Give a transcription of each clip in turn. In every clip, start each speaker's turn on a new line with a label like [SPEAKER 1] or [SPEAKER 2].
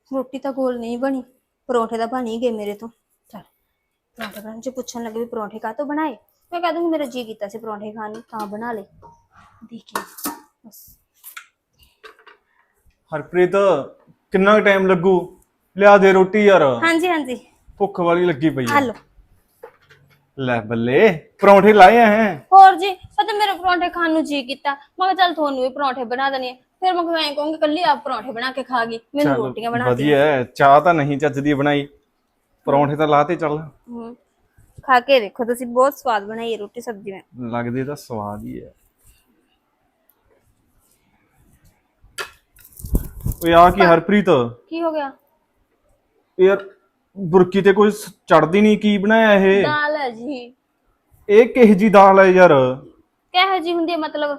[SPEAKER 1] ਰੋਟੀ ਤਾਂ ਗੋਲ ਨਹੀਂ ਬਣੀ, ਪਰੌਂਠੇ ਤਾਂ ਬਣ ਹੀ ਗਏ ਮੇਰੇ ਤੋਂ। ਚਲ ਪਰੌਂਠੇ ਬਣਾਉਣ ਚ ਪੁੱਛਣ ਲੱਗੇ ਵੀ ਪਰੌਂਠੇ ਕਾਹਤੋਂ ਬਣਾਏ, ਮੈਂ ਕਹਿ ਦੂੰਗੀ ਮੇਰਾ ਜੀ ਕੀਤਾ ਸੀ ਪਰੌਂਠੇ ਖਾਣ ਨੂੰ ਤਾਂ ਬਣਾ ਲਏ। ਦੇਖੀ ਬਸ।
[SPEAKER 2] ਹਰਪ੍ਰੀਤ ਕਿੰਨਾ ਟਾਈਮ ਲੱਗੂ? ਲਿਆ ਦੇ ਰੋਟੀ ਯਾਰ,
[SPEAKER 1] ਹਾਂਜੀ ਹਾਂਜੀ
[SPEAKER 2] ਭੁੱਖ ਵਾਲੀ ਲੱਗੀ ਪਈ
[SPEAKER 1] ਆ
[SPEAKER 2] ਆ।
[SPEAKER 1] ਲਓ।
[SPEAKER 2] ਲੈ ਬੱਲੇ, ਪਰੌਂਠੇ ਲਾਏ ਹੈ?
[SPEAKER 1] ਹੋਰ ਜੀ ਪਤਾ ਮੇਰੇ ਪਰੌਂਠੇ ਖਾਣ ਨੂੰ ਜੀ ਕੀਤਾ, ਮੈਂ ਕਿਹਾ ਚੱਲ ਤੁਹਾਨੂੰ ਵੀ ਪਰੌਂਠੇ ਬਣਾ ਦਣੀ। ਫਿਰ ਮੈਂ ਐਂ ਕਹੂੰਗੀ ਕੱਲੀ ਆਪ ਪਰੌਂਠੇ ਬਣਾ ਕੇ ਖਾ ਗਈ, ਮੈਨੂੰ
[SPEAKER 2] ਚੱਲ
[SPEAKER 1] ਰੋਟੀਆਂ ਬਣਾ
[SPEAKER 2] ਵਧੀਆ ਹੈ, ਚਾਹ ਤਾਂ ਨਹੀਂ ਚੱਜ ਦੀ ਬਣਾਈ, ਪਰੌਂਠੇ ਤਾਂ ਲਾਤੇ। ਚੱਲ
[SPEAKER 1] ਖਾ ਕੇ ਦੇਖੋ ਤੁਸੀਂ, ਬਹੁਤ ਸਵਾਦ ਬਣਾਈ ਹੈ ਰੋਟੀ ਸਬਜ਼ੀ ਮੈਂ।
[SPEAKER 2] ਲੱਗਦੇ ਤਾਂ ਸਵਾਦ ਹੀ ਹੈ। ਓਏ ਆ ਕੀ ਹਰਪ੍ਰੀਤ,
[SPEAKER 1] ਕੀ ਹੋ ਗਿਆ?
[SPEAKER 2] ਯਾਰ ਬੁਰਕੀ ਤੇ ਕੋਈ ਚੜਦੀ ਨਹੀਂ, ਕੀ ਬਣਾਇਆ ਇਹ?
[SPEAKER 1] ਦਾਲ ਹੈ ਜੀ।
[SPEAKER 2] ਇਹ ਕਿਹੋ ਜੀ ਦਾਲ ਹੈ ਯਾਰ?
[SPEAKER 1] ਕਿਹੋ ਜੀ ਹੁੰਦੀ ਹੈ ਮਤਲਬ?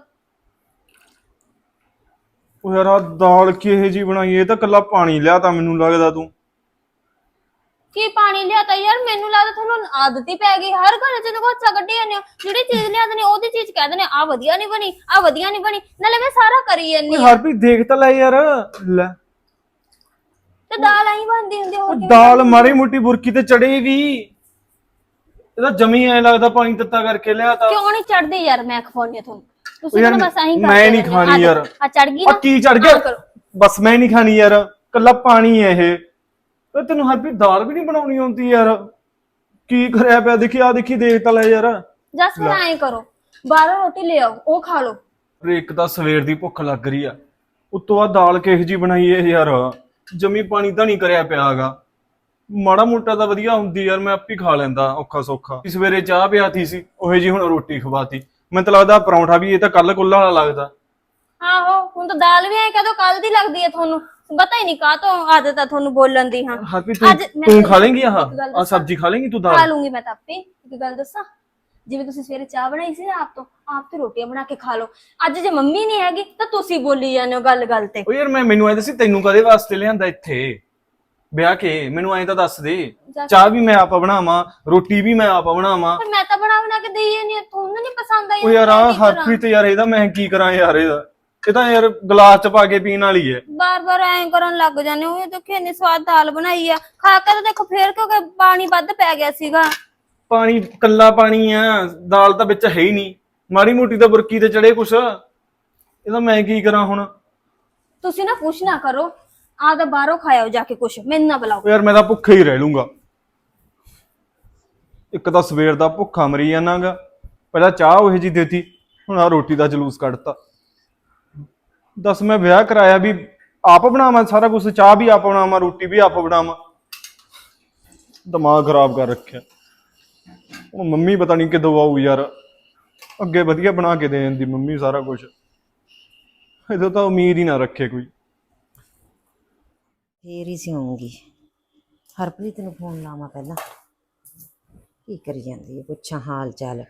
[SPEAKER 2] ਉਹ ਯਾਰ ਆਹ ਦਾਲ ਕਿਹੋ ਜੀ ਬਣਾਈ? ਇਹ ਤਾਂ ਕੱਲਾ ਪਾਣੀ ਲਿਆ ਤਾਂ ਮੈਨੂੰ ਲੱਗਦਾ ਤੂੰ।
[SPEAKER 1] ਕੀ ਪਾਣੀ ਲਿਆਤਾ ਯਾਰ? ਮੈਨੂੰ ਲੱਗਦਾ ਤੁਹਾਨੂੰ ਆਦਤ ਹੀ ਪੈ ਗਈ, ਹਰ ਘਰ ਚ ਦੇਖੋ ਅੱਛਾ ਕੱਢੀ ਜਾਂਦੇ ਹੋ। ਜਿਹੜੀ ਚੀਜ਼ ਲਿਆ ਦਨੇ ਉਹਦੀ ਚੀਜ਼ ਕਹਿ ਦਨੇ ਆ ਵਧੀਆ ਨਹੀਂ ਬਣੀ, ਆ ਵਧੀਆ ਨਹੀਂ ਬਣੀ, ਨਾਲੇ ਮੈਂ ਸਾਰਾ ਕਰੀ ਜਾਂਦੀ
[SPEAKER 2] ਓਏ
[SPEAKER 1] ਆ।
[SPEAKER 2] ਹਰਪ੍ਰੀਤ ਦੇਖ ਤਾਂ ਲੈ ਯਾਰ, ਲੈ
[SPEAKER 1] ਤੇ ਦਾਲ ਐਂ ਬਣਦੀ ਹੁੰਦੀ ਹੋਰ
[SPEAKER 2] ਉਹ
[SPEAKER 1] ਕਿਵੇਂ
[SPEAKER 2] ਦਾਲ
[SPEAKER 1] ਬਣਦੀ?
[SPEAKER 2] ਮਾੜੀ ਮੋਟੀ ਬੁਰਕੀ ਤੇ ਚੜੇਗੀ, ਇਹਦਾ ਜਮੀ ਐ ਲੱਗਦਾ ਪਾਣੀ ਤੱਤਾ ਕਰਕੇ ਲਿਆ ਤਾ।
[SPEAKER 1] ਕਿਉਂ ਨਹੀਂ ਚੜਦੀ ਯਾਰ? ਮੈਂ ਖਵਾਉਣੀ ਆ ਤੁਹਾਨੂੰ, ਤੁਸੀਂ
[SPEAKER 2] ਯਾਰ
[SPEAKER 1] ਤਾਂ ਬਸ ਐਂ
[SPEAKER 2] ਮੈਂ ਨਹੀਂ ਖਾਣੀ ਯਾਰ।
[SPEAKER 1] ਆ ਚੜ ਗਈ
[SPEAKER 2] ਆ
[SPEAKER 1] ਨਾ,
[SPEAKER 2] ਕੀ ਚੜ ਗਿਆ? ਬਸ ਮੈਂ ਨਹੀਂ ਖਾਣੀ ਯਾਰ, ਕੱਲਾ ਪਾਣੀ ਹੈ ਇਹ। ਓਏ ਤੈਨੂੰ ਹਰਪ੍ਰੀਤ ਦਾਲ ਵੀ ਨਹੀਂ ਬਣਾਉਣੀ ਆਉਂਦੀ ਯਾਰ? ਕੀ ਕਰਿਆ ਪਿਆ? ਦੇਖੀ ਆ, ਦੇਖੀ ਦੇਖ ਤਾਂ ਲੈ ਯਾਰ।
[SPEAKER 1] ਜਸ ਫਿਰ ਐਂ ਕਰੋ, ਬਾਹਰੋਂ ਰੋਟੀ ਲੈ ਆਓ, ਉਹ ਖਾ ਲਓ।
[SPEAKER 2] ਇੱਕ ਤਾਂ ਸਵੇਰ ਦੀ ਭੁੱਖ ਲੱਗ ਰਹੀ ਆ, ਉਤੋਂ ਆ ਦਾਲ ਕਿਹੋ ਜੀ ਬਣਾਈ ਏ ਯਾਰ? ਜਮੀ ਪਾਣੀ ਤਾਂ ਨਹੀਂ ਕਰਿਆ ਪਿਆ ਹੈਗਾ। ਮਾੜਾ ਮੋਟਾ ਤਾਂ ਵਧੀਆ ਹੁੰਦੀ ਯਾਰ, ਮੈਂ ਆਪੇ ਖਾ ਲੈਂਦਾ ਔਖਾ ਸੌਖਾ। ਸਵੇਰੇ ਚਾਹ ਪਿਆਤੀ ਸੀ, ਉਹੇ ਜੀ ਹੁਣ ਰੋਟੀ ਖਵਾਤੀ। ਮੈਨੂੰ ਤਾਂ ਲੱਗਦਾ ਪਰੌਂਠਾ ਵੀ ਇਹ ਤਾਂ ਕੱਲ ਕੁੱਲਾ ਵਾਲਾ ਲੱਗਦਾ।
[SPEAKER 1] ਆਹੋ ਹੁਣ ਤਾਂ ਦਾਲ ਵੀ ਐ ਕਦੋਂ ਕੱਲ ਦੀ ਲੱਗਦੀ ਹੈ ਤੁਹਾਨੂੰ, ਪਤਾ ਹੀ ਨਹੀਂ ਕਾਹ ਤੋਂ ਆਦਤ ਆ ਤੁਹਾਨੂੰ ਬੋਲਣ ਦੀ। ਹਾਂ
[SPEAKER 2] ਹਰਪ੍ਰੀਤ ਤੂੰ ਖਾ ਲੇਂਗੀ ਆਹ ਸਬਜ਼ੀ ਖਾ ਲੇਂਗੀ ਤੂੰ?
[SPEAKER 1] ਖਾ
[SPEAKER 2] ਦਾਲ
[SPEAKER 1] ਲੂੰਗੀ ਮੈਂ ਤਾਂ ਆਪੇ। ਇੱਕ ਗੱਲ ਦੱਸਾਂ, ਜਿਵੇਂ ਤੁਸੀਂ ਸਵੇਰੇ ਚਾਹ ਬਣਾਈ ਸੀ ਨਾ ਆਪ ਤੇ ਰੋਟੀਆਂ ਬਣਾ ਕੇ ਖਾ ਲਓ। ਅੱਜ ਜੇ ਮੰਮੀ ਨਹੀਂ ਹੈਗੀ ਤਾਂ ਤੁਸੀਂ ਬੋਲੀ ਜਾਂਦੇ ਹੋ ਗੱਲ ਗੱਲ ਤੇ।
[SPEAKER 2] ਓ ਯਾਰ ਮੈਨੂੰ ਐਂ ਦੱਸੀ, ਤੈਨੂੰ ਕਦੇ ਵਾਸਤੇ ਲਿਆਂਦਾ ਇੱਥੇ ਵਿਆਹ ਕੇ? ਮੈਨੂੰ ਐਂ ਤਾਂ ਦੱਸ ਦੇ। ਚਾਹ ਵੀ ਮੈਂ ਆਪ ਬਣਾਵਾਂ, ਰੋਟੀ ਵੀ ਮੈਂ ਆਪ ਬਣਾਵਾਂ।
[SPEAKER 1] ਪਰ ਮੈਂ ਤਾਂ ਬਣਾ ਕੇ ਦੇਈ ਨਹੀਂ, ਤੁਹਾਨੂੰ ਨਹੀਂ ਪਸੰਦ ਆਈ?
[SPEAKER 2] ਓ ਯਾਰ ਆ ਹਰਪ੍ਰੀਤ ਯਾਰ, ਇਹਦਾ ਮੈਂ ਕੀ ਕਰਾਂ ਯਾਰ? ਇਹ ਤਾਂ ਯਾਰ ਗਲਾਸ ਚ ਪਾ ਕੇ ਪੀਣ ਵਾਲੀ ਹੈ।
[SPEAKER 1] ਬਾਰ ਐਂ ਕਰਨ ਲੱਗ ਜਾਂਦੇ ਹੋ। ਇਹ ਦੇਖੋ ਇੰਨੀ ਸਵਾਦ ਦਾਲ ਬਣਾਈ ਆ, ਖਾ ਕੇ ਤਾਂ ਦੇਖੋ ਫੇਰ ਕਿਉਂਕਿ ਪਾਣੀ ਵੱਧ ਪੈ ਗਿਆ ਸੀਗਾ।
[SPEAKER 2] ਪਾਣੀ ਕੱਲਾ ਪਾਣੀ ਆ, ਦਾਲ ਤਾਂ ਵਿੱਚ ਹੈ ਹੀ ਨਹੀਂ। ਮਾੜੀ ਮੋਟੀ ਤਾਂ ਬੁਰਕੀ ਤੇ ਚੜੇ ਕੁਛ, ਇਹਦਾ ਮੈਂ ਕੀ ਕਰਾਂ ਹੁਣ?
[SPEAKER 1] ਤੁਸੀਂ ਨਾ ਕੁਛ ਨਾ ਕਰੋ, ਆ ਤਾਂ ਬਾਹਰੋਂ ਖਾਇਓ ਜਾ ਕੇ ਕੁਛ, ਮੈਨੂੰ ਨਾ ਬੁਲਾਓ।
[SPEAKER 2] ਯਾਰ ਮੈਂ ਤਾਂ ਭੁੱਖਾ ਹੀ ਰਹਿ ਲੂੰਗਾ। ਇੱਕ ਤਾਂ ਸਵੇਰ ਦਾ ਭੁੱਖਾ ਮਰੀ ਜਾਣਾਗਾ, ਪਹਿਲਾਂ ਚਾਹ ਉਹੀ ਜੀ ਦੇਤੀ, ਹੁਣ ਆ ਰੋਟੀ ਦਾ ਜਲੂਸ ਕੱਢਤਾ। ਦੱਸ ਮੈਂ ਵਿਆਹ ਕਰਾਇਆ ਵੀ ਆਪ ਬਣਾਵਾਂ ਸਾਰਾ ਕੁਝ, ਚਾਹ ਵੀ ਆਪ ਬਣਾਵਾਂ, ਰੋਟੀ ਵੀ ਆਪ ਬਣਾਵਾਂ। ਦਿਮਾਗ ਖਰਾਬ ਕਰ ਰੱਖਿਆ। ਹੁਣ ਮੰਮੀ ਪਤਾ ਨਹੀਂ ਕਿਦੋਂ ਆਊ ਯਾਰ, ਅੱਗੇ ਵਧੀਆ ਬਣਾ ਕੇ ਦੇ ਜਾਂਦੀ ਮੰਮੀ ਸਾਰਾ ਕੁਝ, ਇਹਦੋਂ ਤਾਂ ਉਮੀਦ ਹੀ ਨਾ ਰੱਖੇ ਕੋਈ।
[SPEAKER 3] ਫੇਰ ਹੀ ਸਿਉਂਗੀ। ਹਰਪ੍ਰੀਤ ਨੂੰ ਫੋਨ ਲਾਵਾਂ ਪਹਿਲਾਂ, ਕੀ ਕਰੀ ਜਾਂਦੀ ਹੈ, ਪੁੱਛਾਂ ਹਾਲ ਚਾਲ।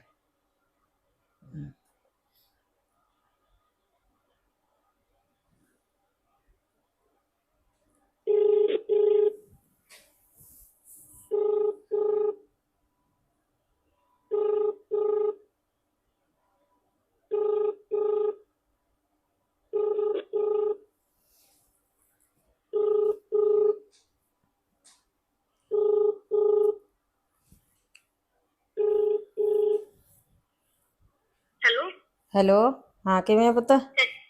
[SPEAKER 3] ਹੈਲੋ, ਹਾਂ ਕਿਵੇਂ ਆ ਪੁੱਤ?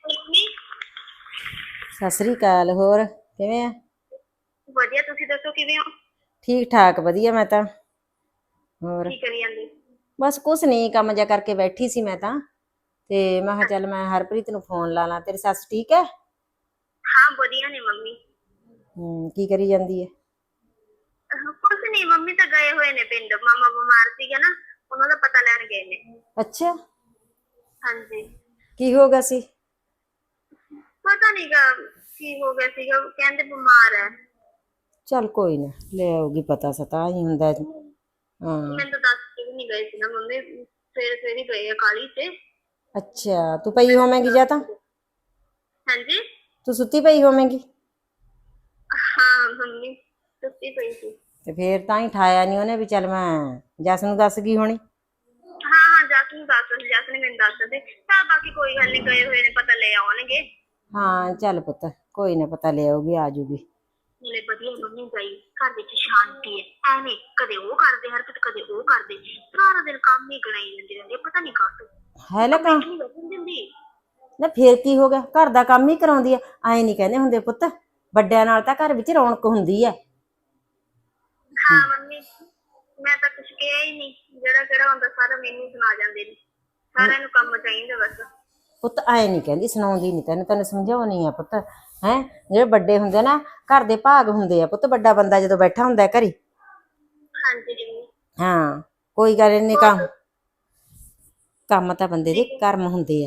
[SPEAKER 3] ਸਤਿ ਸ੍ਰੀ ਅਕਾਲ। ਹੋਰ ਕਿਵੇਂ ਆ?
[SPEAKER 4] ਵਧੀਆ, ਤੁਸੀਂ ਦੱਸੋ ਕਿਵੇਂ ਹੋ?
[SPEAKER 3] ਠੀਕ ਠਾਕ ਵਧੀਆ। ਮੈਂ ਤਾਂ ਹੋਰ
[SPEAKER 4] ਕੀ ਕਰੀ ਜਾਂਦੇ?
[SPEAKER 3] ਬਸ ਕੁਛ ਨਹੀਂ, ਕੰਮ ਜਿਹਾ ਕਰਕੇ ਬੈਠੀ ਸੀ ਮੈਂ ਤਾਂ, ਤੇ ਮੈਂ ਕਿਹਾ ਚੱਲ ਮੈਂ ਹਰਪ੍ਰੀਤ ਨੂੰ ਫੋਨ ਲਾ ਲਾਂ। ਤੇਰੀ ਸੱਸ ਠੀਕ ਹੈ?
[SPEAKER 4] ਹਾਂ ਵਧੀਆ ਨੇ ਮੰਮੀ।
[SPEAKER 3] ਕੀ ਕਰੀ ਜਾਂਦੀ ਹੈ?
[SPEAKER 4] ਕੁਛ ਨਹੀਂ, ਮੰਮੀ ਤਾਂ ਗਏ ਹੋਏ ਨੇ ਪਿੰਡ, ਮਾਮਾ ਬਿਮਾਰ ਸੀਗਾ ਨਾ, ਉਹਨਾਂ ਦਾ ਪਤਾ ਲੈਣ ਗਏ ਨੇ।
[SPEAKER 3] ਅੱਛਾ,
[SPEAKER 4] ਹਾਂਜੀ।
[SPEAKER 3] ਕੀ ਹੋ ਗਿਆ ਸੀ?
[SPEAKER 4] ਪਤਾ ਨੀਗਾ ਕੀ ਹੋ ਗਿਆ ਸੀਗਾ, ਕਹਿੰਦੇ ਬਿਮਾਰ ਹੈ।
[SPEAKER 3] ਚੱਲ ਕੋਈ ਨਾ, ਲੈ ਆਉਗੀ ਪਤਾ ਸਤਾ ਹੀ ਹੁੰਦਾ। ਹਾਂ
[SPEAKER 4] ਮੈਨੂੰ ਤਾਂ ਦੱਸ ਕੇ ਵੀ ਨਹੀਂ ਗਏ ਸੀ ਨਾ ਮੰਮੀ, ਸਵੇਰੇ ਸਵੇਰੇ ਗਏ ਆ ਕਾਹਲੀ ਤੇ।
[SPEAKER 3] ਅੱਛਾ, ਤੂੰ ਪਈ ਹੋਵੇਂਗੀ ਜਾਂ ਤਾਂ?
[SPEAKER 4] ਹਾਂਜੀ,
[SPEAKER 3] ਤੂੰ ਸੁੱਤੀ ਪਈ ਹੋਵੇਂਗੀ।
[SPEAKER 4] ਹਾਂ ਮੰਮੀ ਸੁੱਤੀ ਪਈ ਸੀ।
[SPEAKER 3] ਤੇ ਫੇਰ ਤਾਂ ਹੀ ਠਾਇਆ ਨਹੀਂ ਉਹਨੇ ਵੀ ਚੱਲ ਮੈਂ ਜਸ ਨੂੰ ਦੱਸ ਗਈ ਹੋਣੀ।
[SPEAKER 4] ਹਾਂ ਜਸ ਨੂੰ ਦੱਸ, ਜਸ ਨੇ ਮੈਨੂੰ ਦੱਸ ਦੇ। ਚੱਲ ਬਾਕੀ ਕੋਈ ਗੱਲ ਨਹੀਂ, ਗਏ ਹੋਏ ਨੇ, ਪਤਾ ਲੈ ਆਉਣਗੇ।
[SPEAKER 3] ਹਾਂ ਚੱਲ ਪੁੱਤ, ਕੋਈ ਨਾ ਪਤਾ ਲੈ ਆਉਗੀ, ਆ ਜੂਗੀ।
[SPEAKER 4] ਹੁਣੇ ਵਧੀਆ ਮੰਮੀ ਗਈ, ਘਰ ਵਿੱਚ ਸ਼ਾਂਤੀ ਹੈ। ਐਵੇਂ ਕਦੇ ਉਹ ਕਰਦੇ ਹਰਕਤ, ਕਦੇ ਉਹ ਕਰਦੇ, ਸਾਰਾ ਦਿਨ ਕੰਮ ਹੀ ਗਣਾਈ ਜਾਂਦੇ ਰਹਿੰਦੇ, ਪਤਾ ਨਹੀਂ ਕਾਹਤੋਂ।
[SPEAKER 3] ਹੈ ਲੈ ਕੰਮ
[SPEAKER 4] ਨਹੀਂ ਬੈਠਣ ਦਿੰਦੀ।
[SPEAKER 3] ਨਾ ਫੇਰ ਕੀ ਹੋ ਗਿਆ, ਘਰ ਦਾ ਕੰਮ ਹੀ ਕਰਾਉਂਦੀ ਆ। ਐਂ ਨਹੀਂ ਕਹਿੰਦੇ ਹੁੰਦੇ ਪੁੱਤ, ਵੱਡਿਆਂ ਨਾਲ ਤਾਂ ਘਰ ਵਿੱਚ ਰੌਣਕ ਹੁੰਦੀ ਹੈ।
[SPEAKER 4] ਹਾਂ ਮੰਮੀ, ਮੈਂ ਤਾਂ ਕੁਛ ਕਿਹਾ ਹੀ ਨਹੀਂ, ਜਿਹੜਾ ਕਿਹੜਾ ਹੁੰਦਾ ਸਾਰਾ ਮੈਨੂੰ ਸੁਣਾ ਜਾਂਦੇ ਨੇ। ਸਾਰਿਆਂ ਨੂੰ ਕੰਮ ਚਾਹੀਦਾ ਬਸ।
[SPEAKER 3] ਪੁੱਤ ਐਂ ਨਹੀਂ ਕਹਿੰਦੀ, ਸੁਣਾਉਂਦੀ ਨਹੀਂ ਤੈਨੂੰ, ਤੈਨੂੰ ਸਮਝਾਉਣੀ ਆ ਪੁੱਤ। ਹੈ ਜਿਹੜੇ ਵੱਡੇ ਹੁੰਦੇ ਨਾ, ਘਰ ਦੇ ਭਾਗ ਹੁੰਦੇ ਆ ਪੁੱਤ। ਵੱਡਾ ਬੰਦਾ ਜਦੋਂ ਬੈਠਾ ਹੁੰਦਾ ਘਰੇ,
[SPEAKER 4] ਹਾਂਜੀ ਮੰਮੀ।
[SPEAKER 3] ਹਾਂ ਕੋਈ ਗੱਲ ਨਹੀਂ, ਕੰਮ ਕੰਮ ਤਾਂ ਬੰਦੇ ਦੇ ਕਰਮ ਹੁੰਦੇ ਆ।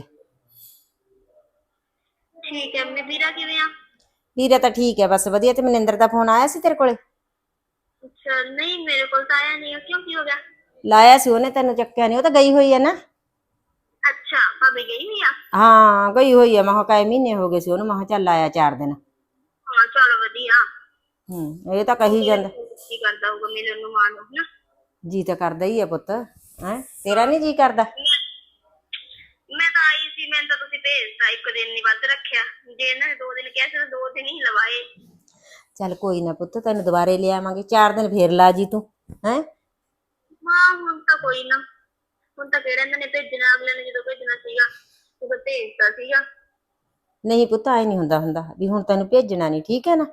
[SPEAKER 4] ਠੀਕ ਹੈ ਮੰਮੀ। ਵੀਰਾ ਕਿਵੇਂ ਆ?
[SPEAKER 3] ਵੀਰਾ ਤਾਂ ਠੀਕ ਹੈ ਬਸ ਵਧੀਆ। ਤੇ ਮਨਿੰਦਰ ਦਾ ਫੋਨ ਆਇਆ ਸੀ ਤੇਰੇ ਕੋਲੇ?
[SPEAKER 4] ਅੱਛਾ, ਨਹੀਂ ਮੇਰੇ ਕੋਲ ਤਾਂ ਆਇਆ ਨਹੀਂ। ਕਿਉਂ, ਕੀ ਹੋ ਗਿਆ?
[SPEAKER 3] ਲਾਇਆ ਸੀ ਉਹਨੇ, ਤੈਨੂੰ ਚੱਕਿਆ ਨਹੀਂ। ਉਹ ਤਾਂ ਗਈ ਹੋਈ ਹੈ ਨਾ।
[SPEAKER 4] ਅੱਛਾ, ਭਾਬੀ ਗਈ ਹੋਈ ਆ?
[SPEAKER 3] ਹਾਂ ਗਈ ਹੋਈ ਹੈ। ਮੈਂ ਕਿਹਾ ਕਾਏ ਮਹੀਨੇ ਹੋ ਗਏ ਸੀ ਉਹਨੂੰ, ਮੈਂ ਕਿਹਾ ਚੱਲ ਆਇਆ 4 ਦਿਨ।
[SPEAKER 4] ਹਾਂ ਚਲੋ ਵਧੀਆ।
[SPEAKER 3] ਇਹ ਤਾਂ ਕਹੀ ਜਾਂਦਾ।
[SPEAKER 4] ਕੀ ਕਰਦਾ ਹੋਊਗਾ ਮਿਲਣ ਨੂੰ ਮਾਂ ਨੂੰ, ਹਨਾ?
[SPEAKER 3] ਜੀ ਤਾਂ ਕਰਦਾ ਹੀ ਹੈ ਪੁੱਤ। ਹੈ ਤੇਰਾ ਨਹੀਂ ਜੀ ਕਰਦਾ?
[SPEAKER 4] ਮੈਂ ਤਾਂ ਆਈ ਸੀ, ਮੈਨੂੰ ਤਾਂ ਤੁਸੀਂ ਭੇਜਤਾ, 1 ਦਿਨ ਨਹੀਂ ਵੱਧ ਰੱਖਿਆ। ਜੇ ਇਹਨਾਂ ਨੇ 2 ਦਿਨ ਕਿਹਾ ਸੀ ਤਾਂ 2 ਦਿਨ ਹੀ ਲਵਾਏ।
[SPEAKER 3] ਚੱਲ ਕੋਈ ਨਾ ਪੁੱਤ, ਤੈਨੂੰ ਦੁਬਾਰੇ ਲਿਆਵਾਂਗੇ। 4 ਦਿਨ ਫੇਰ ਲਾ ਜੀ ਤੂੰ। ਹੈ
[SPEAKER 4] ਹਾਂ ਹੁਣ ਤਾਂ ਕੋਈ ਨਾ, ਹੁਣ ਤਾਂ ਕਿਹੜਾ ਇਹਨਾਂ ਨੇ ਭੇਜਣਾ, ਅਗਲੇ ਨੇ ਜਦੋਂ ਭੇਜਣਾ ਸੀਗਾ ਉਦੋਂ ਭੇਜਤਾ ਸੀਗਾ।
[SPEAKER 3] ਨਹੀਂ ਪੁੱਤ, ਐ ਨਹੀਂ ਹੁੰਦਾ ਵੀ ਹੁਣ ਤੈਨੂੰ ਭੇਜਣਾ ਨਹੀਂ, ਠੀਕ ਹੈ ਨਾ?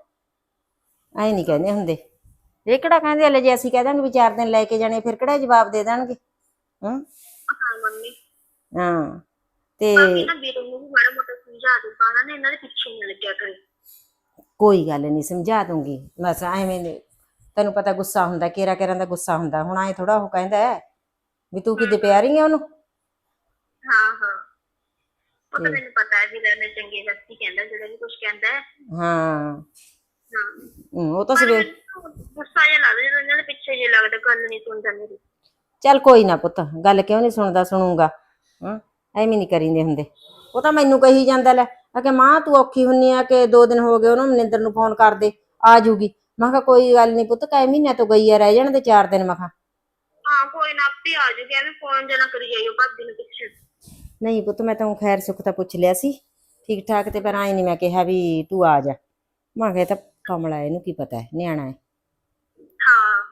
[SPEAKER 3] ਐ ਨਹੀਂ ਕਹਿੰਦੇ ਹੁੰਦੇ। ਇਹ ਕਿਹੜਾ ਕਹਿੰਦੇ ਹਲੇ ਜੇ ਅਸੀਂ ਕਹਿ ਦਾਂਗੇ ਵੀ 4 ਦਿਨ ਲੈ ਕੇ ਜਾਣੇ, ਫਿਰ ਕਿਹੜਾ ਜਵਾਬ ਦੇ ਦੇਣਗੇ?
[SPEAKER 4] ਹਾਂ ਮੰਮੀ।
[SPEAKER 3] ਹਾਂ ਤੇ
[SPEAKER 4] ਬਾਕੀ ਨਾ ਵੀਰ ਨੂੰ ਵੀ ਮਾੜਾ ਮੋਟਾ ਸਮਝਾ ਦੂਗਾ ਨਾ, ਇਹਨਾਂ ਦੇ ਪਿੱਛੇ ਨਹੀਂ ਲੱਗਿਆ ਕਰੇ।
[SPEAKER 3] ਕੋਈ ਗੱਲ ਨਹੀਂ, ਸਮਝਾ ਦੂੰਗੀ। ਬਸ ਐਵੇਂ ਤੈਨੂੰ ਪਤਾ ਗੁੱਸਾ ਹੁੰਦਾ, ਕੇਰਾ ਕੇਰਾਂ ਦਾ ਗੁੱਸਾ ਹੁੰਦਾ। ਹੁਣ ਐ ਥੋੜਾ ਉਹ ਕਹਿੰਦਾ ਵੀ ਤੂੰ ਕਿਤੇ ਪਿਆ ਰਹੀ ਆ ਉਹਨੂੰ।
[SPEAKER 4] ਹਾਂ ਹਾਂ, ਉਹ ਤਾਂ ਮੈਨੂੰ ਪਤਾ ਹੈ ਵੀਰਾ ਨੇ ਚੰਗੇ ਵਿਅਕਤੀ ਕਹਿੰਦਾ, ਜਿਹੜਾ ਵੀ ਕੁਝ ਕਹਿੰਦਾ ਹੈ।
[SPEAKER 3] ਹਾਂ
[SPEAKER 4] ਹਾਂ
[SPEAKER 3] ਉਹ ਤਾਂ
[SPEAKER 4] ਪਰ
[SPEAKER 3] ਸਵੇਰ
[SPEAKER 4] ਮੈਨੂੰ ਗੁੱਸਾ ਜਿਹਾ ਲੱਗਦਾ ਜਦੋਂ ਇਹਨਾਂ ਦੇ ਪਿੱਛੇ ਜੇ ਲੱਗਦਾ, ਗੱਲ ਨਹੀਂ ਸੁਣਦਾ ਮੇਰੀ।
[SPEAKER 3] ਚੱਲ ਕੋਈ ਨਾ ਪੁੱਤ, ਗੱਲ ਕਿਉਂ ਨਹੀਂ ਸੁਣਦਾ, ਸੁਣੂਗਾ। ਐਵੇਂ ਨਹੀਂ ਕਰੀਂਦੇ ਹੁੰਦੇ। ਉਹ ਤਾਂ ਮੈਨੂੰ ਕਹੀ ਜਾਂਦਾ ਲੈ ਆ ਕਿ ਮਾਂ ਤੂੰ ਔਖੀ ਹੁੰਨੀ ਆ, ਕਿ 2 ਦਿਨ ਹੋ ਗਏ ਉਹਨੂੰ, ਮਨਿੰਦਰ ਨੂੰ ਫੋਨ ਕਰ ਦੇ ਆ ਜੂਗੀ। ਮੈਂ ਕਿਹਾ ਕੋਈ ਗੱਲ ਨਹੀਂ ਪੁੱਤ, ਕਈ ਮਹੀਨਿਆਂ ਤੋਂ ਗਈ ਆ, ਰਹਿ ਜਾਣ ਦੇ 4 ਦਿਨ। ਮੈਂ ਕਿਹਾ
[SPEAKER 4] ਹਾਂ ਕੋਈ ਨਾ, ਆਪੇ ਆ ਜੂਗੀ, ਐਵੇਂ ਫੋਨ ਜਨਾ ਕਰੀ ਜਾਈਓ ਭਾਬੀ ਨੂੰ ਪਿੱਛੇ।
[SPEAKER 3] ਨਹੀਂ ਪੁੱਤ, ਮੈਂ ਤਾਂ ਖੈਰ ਸੁੱਖ ਤਾਂ ਪੁੱਛ ਲਿਆ ਸੀ ਠੀਕ ਠਾਕ, ਤੇ ਪਰ ਆਈ ਨਹੀਂ ਮੈਂ ਕਿਹਾ ਵੀ ਤੂੰ ਆ ਜਾ। ਮੈਂ ਕਿਹਾ ਤਾਂ ਕਮਲਾ, ਇਹਨੂੰ ਕੀ ਪਤਾ ਹੈ, ਨਿਆਣਾ ਹੈ।
[SPEAKER 4] ਹਾਂ